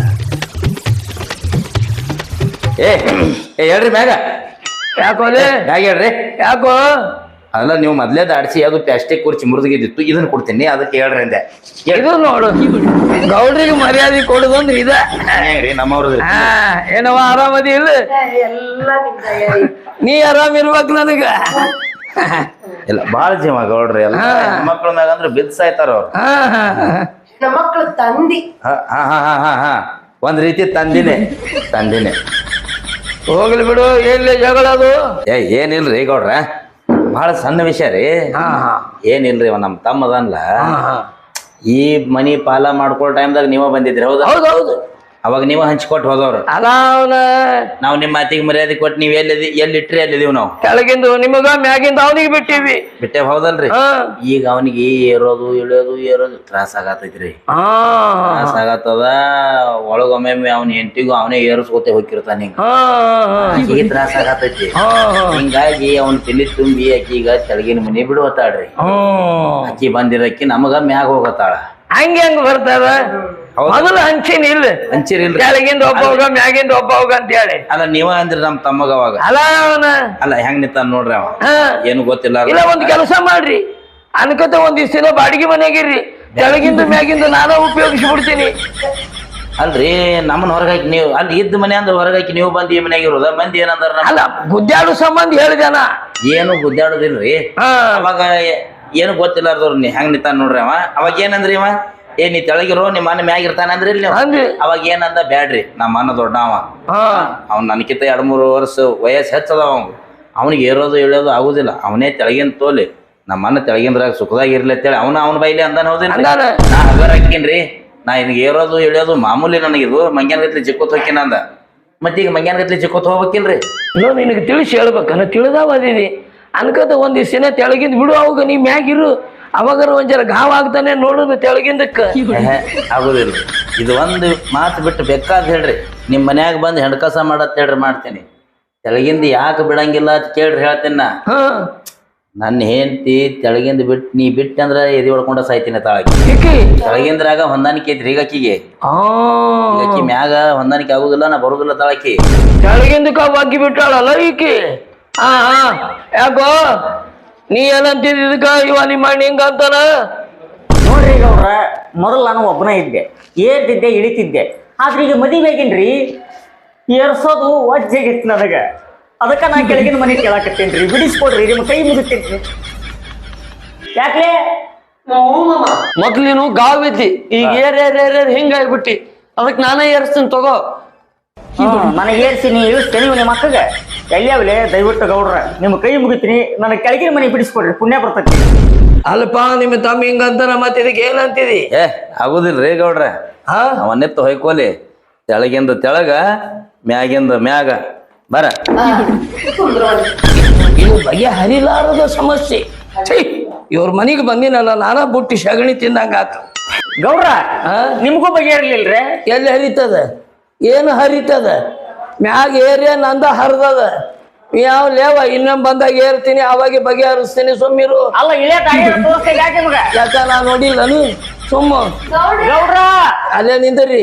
[SPEAKER 2] ಏ ಹೇಳ್ರಿ ಮ್ಯಾಗ
[SPEAKER 5] ಯಾಕೋಲೆ
[SPEAKER 2] ಮ್ಯಾಗ ಹೇಳ್ರಿ
[SPEAKER 5] ಯಾಕೋ
[SPEAKER 2] ಅಲ್ಲ ನೀವು ಮೊದ್ಲೇ ದಾಡ್ಸಿ ಅದು ಪ್ಲಾಸ್ಟಿಕ್ ಕುರ್ಚಿ ಮುರಿದಿದ್ದಿತ್ತು ಇದನ್ನ ಕೊಡ್ತೀನಿ ಅದಕ್ಕೆ ಹೇಳ್ರಿ ಅಂದೆ
[SPEAKER 5] ಇದು ನೋಡು ಗೌಡ್ರಿಗೆ ಮರ್ಯಾದೆ ಕೊಡುದಂದ್ರೆ ಇದ
[SPEAKER 2] ಹೆಂಗ್ರಿ ನಮ್ಮವ್ರದ್ರಿ
[SPEAKER 5] ಹಾ ಏನವ ಆರಾಮದಿ ಇಲ್ಲ
[SPEAKER 1] ಎಲ್ಲ ನಿಮ್ದಾಗ್ಯಾರಿ.
[SPEAKER 5] ನೀ ಆರಾಮ್ ಇರ್ಬೇಕು ನನಗ
[SPEAKER 2] ಇಲ್ಲ ಬಾಳ ಜೀವ ಗೌಡ್ರಿ ಎಲ್ಲ ಮಕ್ಕಳ ಮ್ಯಾಗ ಅಂದ್ರೆ ಬಿದ್ದು ಸಾಯ್ತಾರ ಅವ್ರು
[SPEAKER 5] ಹಾ ಹಾ
[SPEAKER 1] ನಮ್ಮ ಮಕ್ಳು ತಂದಿ
[SPEAKER 2] ಹಾ ಹಾ ಹಾ ಹಾ ಹಾ ಒಂದ್ ರೀತಿ ತಂದಿನೇ
[SPEAKER 5] ಹೋಗ್ಲಿ ಬಿಡು ಎಲ್ಲಿ ಜಗಳ ಅದು
[SPEAKER 2] ಏನಿಲ್ರಿ ಗೌಡ್ರ ಬಹಳ ಸಣ್ಣ ವಿಷಯ ರೀ
[SPEAKER 5] ಹಾ ಹಾ
[SPEAKER 2] ಏನಿಲ್ರಿ ಅವ ನಮ್ಮ ತಮ್ಮ ಅದನ್ಲ
[SPEAKER 5] ಹಾ
[SPEAKER 2] ಈ ಮನಿ ಪಾಲ ಮಾಡ್ಕೊಳ್ಳೋ ಟೈಮ್ದಾಗ ನೀವ ಬಂದಿದ್ರಿ ಹೌದಾ
[SPEAKER 5] ಹೌದೌದು
[SPEAKER 2] ಅವಾಗ ನೀವ ಹಂಚ್ಕೊಟ್ಟು ಹೋದವ್ರು
[SPEAKER 5] ಅಲ್ಲ ಅವನ
[SPEAKER 2] ನಾವ್ ನಿಮ್ಮ ಮಾತಿಗೆ ಮರ್ಯಾದೆ ಕೊಟ್ಟು ನೀವ್ ಎಲ್ಲಿಟ್ರಿ ಅಲ್ಲಿದೀವಿ ನಾವು
[SPEAKER 5] ಕೆಳಗಿಂದು ನಿಮಗ ಮ್ಯಾಗಿಂದ ಅವನಿಗೆ ಬಿಟ್ಟಿವಿ
[SPEAKER 2] ಬಿಟ್ಟೆ ಹೌದಲ್ರಿ
[SPEAKER 5] ಹಾ
[SPEAKER 2] ಈಗ ಅವನಿಗೆ ಏರೋದು ಇಳಿಯೋದು ತ್ರಾಸ ಆಗತೈತ್ರಿ
[SPEAKER 5] ಹಾ
[SPEAKER 2] ತ್ರಾಸ ಆಗತ್ತದ ಒಳಗೊಮ್ಮೆ ಅವ್ನ ಹೆಂಡತಿಗೂ ಅವನೇ ಏರಿಸ್ಕೋತೆ ಹೋಗಿರ್ತಾನ ಹಿಂಗ
[SPEAKER 5] ಹಾ ಹಾ
[SPEAKER 2] ಆಕಿಗೆ ತ್ರಾಸ ಆಗತೈತಿ
[SPEAKER 5] ಹಾ
[SPEAKER 2] ಹಿಂಗಾಗಿ ಅವ್ನ ತಲಿ ತುಂಬಿ ಆಕೀಗ ತೆಳಗಿನ ಮನಿ ಬಿಡುವತ್ತಾಳ್ರಿ ಆಕಿ ಬಂದಿರಕ್ಕಿ ನಮಗ ಮ್ಯಾಗ ಹೋಗತ್ತಾಳ
[SPEAKER 5] ಹೆಂಗ್ ಬರ್ತಾರ ಮೊದಲು ಹಂಚಿನ ಇಲ್ಲ
[SPEAKER 2] ಹಂಚಿರಿಲ್ರಿ
[SPEAKER 5] ಕೆಳಗಿಂದ ಒಬ್ಬ ಹೋಗ ಮ್ಯಾಗಿಂದ ಒಬ್ಬ ಹೋಗ ಅಂತ ಹೇಳಿ
[SPEAKER 2] ಅಲ್ಲ ನೀವ ಅಂದ್ರಿ ನಮ್ ತಮ್ಮಗ ಅವಾಗ
[SPEAKER 5] ಅಲ್ಲ ಅವನ
[SPEAKER 2] ಅಲ್ಲ ಹೆಂಗ್ ನಿಂತ ನೋಡ್ರಿ ಅವ
[SPEAKER 5] ಹಾ
[SPEAKER 2] ಏನು ಗೊತ್ತಿಲ್ಲ
[SPEAKER 5] ಇಲ್ಲ ಒಂದ್ ಕೆಲಸ ಮಾಡ್ರಿ ಅನ್ಕತ ಒಂದಿವ್ಸ ದಿನ ಬಾಡಿಗೆ ಮನೆಗಿರ್ರಿ ಕೆಳಗಿಂದ ಮ್ಯಾಗಿಂದ ನಾನ ಉಪಯೋಗಿಸಿ ಬಿಡ್ತೀನಿ
[SPEAKER 2] ಅಲ್ರಿ ನಮ್ಮನ್ನ ಹೊರಗಾಕಿ ನೀವು ಅಲ್ಲಿ ಇದ್ದ ಮನೆ ಅಂದ್ರೆ ಹೊರಗಾಕಿ ನೀವು ಬಂದು ಈ ಮನೆಯಾಗ ಇರೋದ ಮಂದಿ ಏನಂದ್ರ
[SPEAKER 5] ಅಲ್ಲ ಗುದ್ದಾಡು ಸಂಬಂಧ ಹೇಳಿದನ
[SPEAKER 2] ಏನು ಗುದ್ದಾಡೋದಿಲ್ರಿ
[SPEAKER 5] ಹಾ
[SPEAKER 2] ಅವಾಗ ಏನು ಗೊತ್ತಿಲ್ಲಾರ್ದವ್ರು ಹೆಂಗ್ ನಿಂತಾನ ನೋಡ್ರಿ ಅವಾಗ ಏನಂದ್ರಿ ಅವ ನೀ ತೆಳಗಿರೋ ನಿಮ್ಮ ಮನೆ ಮ್ಯಾಗ ಇರ್ತಾನ ಅಂದ್ರಿ ಇಲ್ಲಿ
[SPEAKER 5] ಅಂದ್ರಿ
[SPEAKER 2] ಅವಾಗ ಏನಂದ ಬ್ಯಾಡ್ರಿ ನಮ್ಮ ಅಣ್ಣ ದೊಡ್ಡ
[SPEAKER 5] ಹಾ
[SPEAKER 2] ಅವ್ನು ನನಕಿಂತ 2-3 ವರ್ಷ ವಯಸ್ಸು ಹೆಚ್ಚದ ಅವನಿಗೆ ಏರೋದು ಇಳಿಯೋದು ಆಗುದಿಲ್ಲ ಅವನೇ ತೆಳಗಿನ ತೋಲಿ ನಮ್ಮ ಅಣ್ಣ ತೆಳಗಿಂದ್ರಾಗ ಸುಖದಾಗ ಇರ್ಲಿ ಅಂತೇಳಿ ಅವನ ಬೈಲಿ ಅಂದಾನ ಹೌದಿಲ್ಲ
[SPEAKER 5] ಅಂದಾನ.
[SPEAKER 2] ನಾ ಹಗರ್ ಹಾಕಿನ್ರಿ ನಾ ನಿನಗೆ ಏರೋದು ಇಳಿಯೋದು ಮಾಮೂಲಿ ನನಗಿದು ಮಂಗ್ಯಾನ ಗತ್ಲಿ ಚಿಕ್ಕೋತ್ ಹೋಕಿನ ಅಂದ ಮತ್ತೀಗ ಮಂಗ್ಯಾನ ಗತ್ಲಿ ಚಿಕ್ಕೋತ್ ಹೋಗ್ಬೇಕಿಲ್ರಿ
[SPEAKER 5] ನೋ ನಿನಗೆ ತಿಳಿಸಿ ಹೇಳ್ಬೇಕನ್ನ ತಿಳಿದಾವ ಅದೀನಿ ಅನ್ಕತ ಒಂದಿವ್ಸ ದಿನ ತೆಳಗಿಂದ ಬಿಡು ಅವಾಗ ನೀ ಮ್ಯಾಗಿರು ಅವಾಗ ಒಂಜರ ಗಾವ ಆಗ್ತಾನೆ ನೋಡುದು ತೆಳಗಿಂದಕ್ಕ
[SPEAKER 2] ಆಗುದಿಲ್ಲ ಇದು ಒಂದು ಮಾತು ಬಿಟ್ಟು ಬೇಕಾದ್ ಹೇಳ್ರಿ ನಿಮ್ ಮನ್ಯಾಗ ಬಂದು ಹೆಣ್ಕಸ ಮಾಡತ್ ಹೇಳ್ರಿ ಮಾಡ್ತೀನಿ ತೆಳಗಿಂದ ಯಾಕೆ ಬಿಡಂಗಿಲ್ಲ ಅಂತ ಕೇಳ್ರಿ ಹೇಳ್ತೀನಿ ನಾ
[SPEAKER 5] ಹಾ
[SPEAKER 2] ನನ್ನ ಹೆಂಡತಿ ತೆಳಗಿಂದ ನೀ ಬಿಟ್ಟಂದ್ರ ಎದಿ ಹೊಡ್ಕೊಂಡ ಸಾಯ್ತೀನಿ ತಾಳಕಿ
[SPEAKER 5] ಈಕಿ
[SPEAKER 2] ತೆಳಗಿಂದ್ರಾಗ ಹೊಂದಾಣಿಕೆ ಐತ್ರಿ ಈಗಕ್ಕಿಗೆ
[SPEAKER 5] ಆ
[SPEAKER 2] ಈಗಕ್ಕಿ ಮ್ಯಾಗ ಹೊಂದಾಣಿಕೆ ಆಗುದಿಲ್ಲ ನಾ ಬರುದಿಲ್ಲ ತಾಳಕಿ
[SPEAKER 5] ಕೆಳಗಿಂದಕ್ಕ ಬಗ್ಗಿ ಬಿಟ್ಟಾಳಲ್ಲ ಈಕಿ ಹಾ ಹಾ ಯಾಕೋ ನೀ ಏನಂತಿದ್ ಇದಕ್ಕ ಇವ ನಿಮ್ಮ ಅಣ್ಣ ಹಿಂಗ ಅಂತಾನ
[SPEAKER 4] ನೋಡ್ರಿ ಈಗ ಅವ್ರ ಮೊದಲು ನಾನು ಒಬ್ಬನೇ ಇದ್ದೆ ಏರ್ತಿದ್ದೆ ಇಳಿತಿದ್ದೆ ಆದ್ರೆ ಈಗ ಮದುವೆ ಆಗೇನ್ರಿ ಏರ್ಸೋದು ವಜ್ಜೆಗಿತ್ತು ನನಗೆ ಅದಕ್ಕೆ ನಾ ಕೆಳಗಿನ ಮನೆ ಕೇಳಾಕತ್ತೇನ್ರಿ ಬಿಡಿಸ್ಕೊಡ್ರಿ ನಿಮ್ಮ ಕೈ ಮುಗಿತೇನ್ರಿ ಯಾಕ್ಲೆ
[SPEAKER 5] ಮೊದ್ಲು ನೀನು ಗಾವಿದ್ದಿ ಈಗ ಏರ್ ಹಿಂಗಾಗ್ಬಿಟ್ಟಿ ಅದಕ್ಕೆ ನಾನೇ ಏರ್ಸ್ತೀನಿ ತಗೋ
[SPEAKER 4] ನನಗೆ ಏರ್ಸಿ ನೀ ಇಳಿಸ್ತೇನೆ ನಿಮ್ಮ ಮಕ್ಕಗೆ ಎಲ್ಲಿಯಾವಲೆ ದಯವಿಟ್ಟು ಗೌಡ್ರ ನಿಮ್ಮ ಕೈ ಮುಗಿತೀನಿ ನನಗೆ ಕೆಳಗಿನ ಮನೆ ಬಿಡಿಸ್ಕೊಡ್ರಿ ಪುಣ್ಯ ಬರ್ತೈತಿ
[SPEAKER 5] ಅಲ್ಪ ನಿಮ್ಮ ತಮ್ಮ ಹಿಂಗಂತಾನ ಮತ್ತೆ ಇದಕ್ಕೆ ಏನಂತಿದಿ
[SPEAKER 2] ಆಗುದಿಲ್ರಿ ಗೌಡ್ರ
[SPEAKER 5] ಹಾ
[SPEAKER 2] ಅವನ್ನೆತ್ತು ಹೊಯ್ಕೋಲಿ ತೆಳಗಿಂದ ತೆಳಗ ಮ್ಯಾಗಿಂದ ಮ್ಯಾಗ ಬರ
[SPEAKER 5] ಇದು ಬಗೆ ಹರಿಲಾರದ ಸಮಸ್ಯೆ ಇವ್ರ ಮನೆಗೆ ಬಂದಿನಲ್ಲ ನಾನಾ ಬುಟ್ಟಿ ಸಗಣಿ ತಿಂದಂಗ ಆತ
[SPEAKER 4] ಗೌಡ್ರ
[SPEAKER 5] ಹಾ
[SPEAKER 4] ನಿಮಗೂ ಬಗೆಹರ್ಲಿಲ್ರಿ
[SPEAKER 5] ಎಲ್ಲಿ ಹರಿತದ ಏನು ಹರಿತದ ಮ್ಯಾಗ ಏರಿಯ ನಂದ ಹರಿದದ ಯಾವ ಲೇವ ಇನ್ನೊಮ್ಮೆ ಬಂದಾಗ ಏರ್ತೀನಿ ಅವಾಗ ಬಗೆಹರಿಸ್ತೀನಿ ಸುಮ್ಮಿರು
[SPEAKER 4] ಅಲ್ಲ ಇಳಿಯ ತೋರಿಸ್ತೇನೆ ಯಾಕೆ ನಿಮ್ಗೆ
[SPEAKER 5] ಯಾಕ ನಾ ನೋಡಿಲ್ಲನು ಸುಮ್ಮ
[SPEAKER 4] ಗೌಡ್ರ
[SPEAKER 5] ಅಲ್ಲೇ ನಿಂದ್ರಿ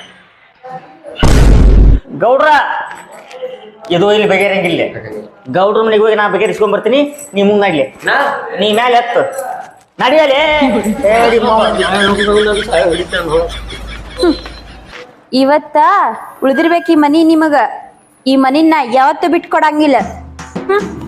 [SPEAKER 4] ಗೌಡ್ರ ಇದು ಇಲ್ಲಿ ಬಗೆಹರಂಗಿಲ್ಲ ಗೌಡ್ರ ಮನೆಗೆ ಹೋಗಿ ನಾ ಬಗೆಹರಿಸ್ಕೊಂಡ್ ಬರ್ತೀನಿ ನೀ ಮುಂದಾಗ್ಲಿ ನೀ ಮೇಲೆ ಎತ್ತು ನಡಿಯಲೇ
[SPEAKER 3] ಇವತ್ತ ಉಳಿದಿರ್ಬೇಕು ಈ ಮನಿ ನಿಮಗ ಈ ಮನಿನ ಯಾವತ್ತೂ ಬಿಟ್ಕೊಡಂಗಿಲ್ಲ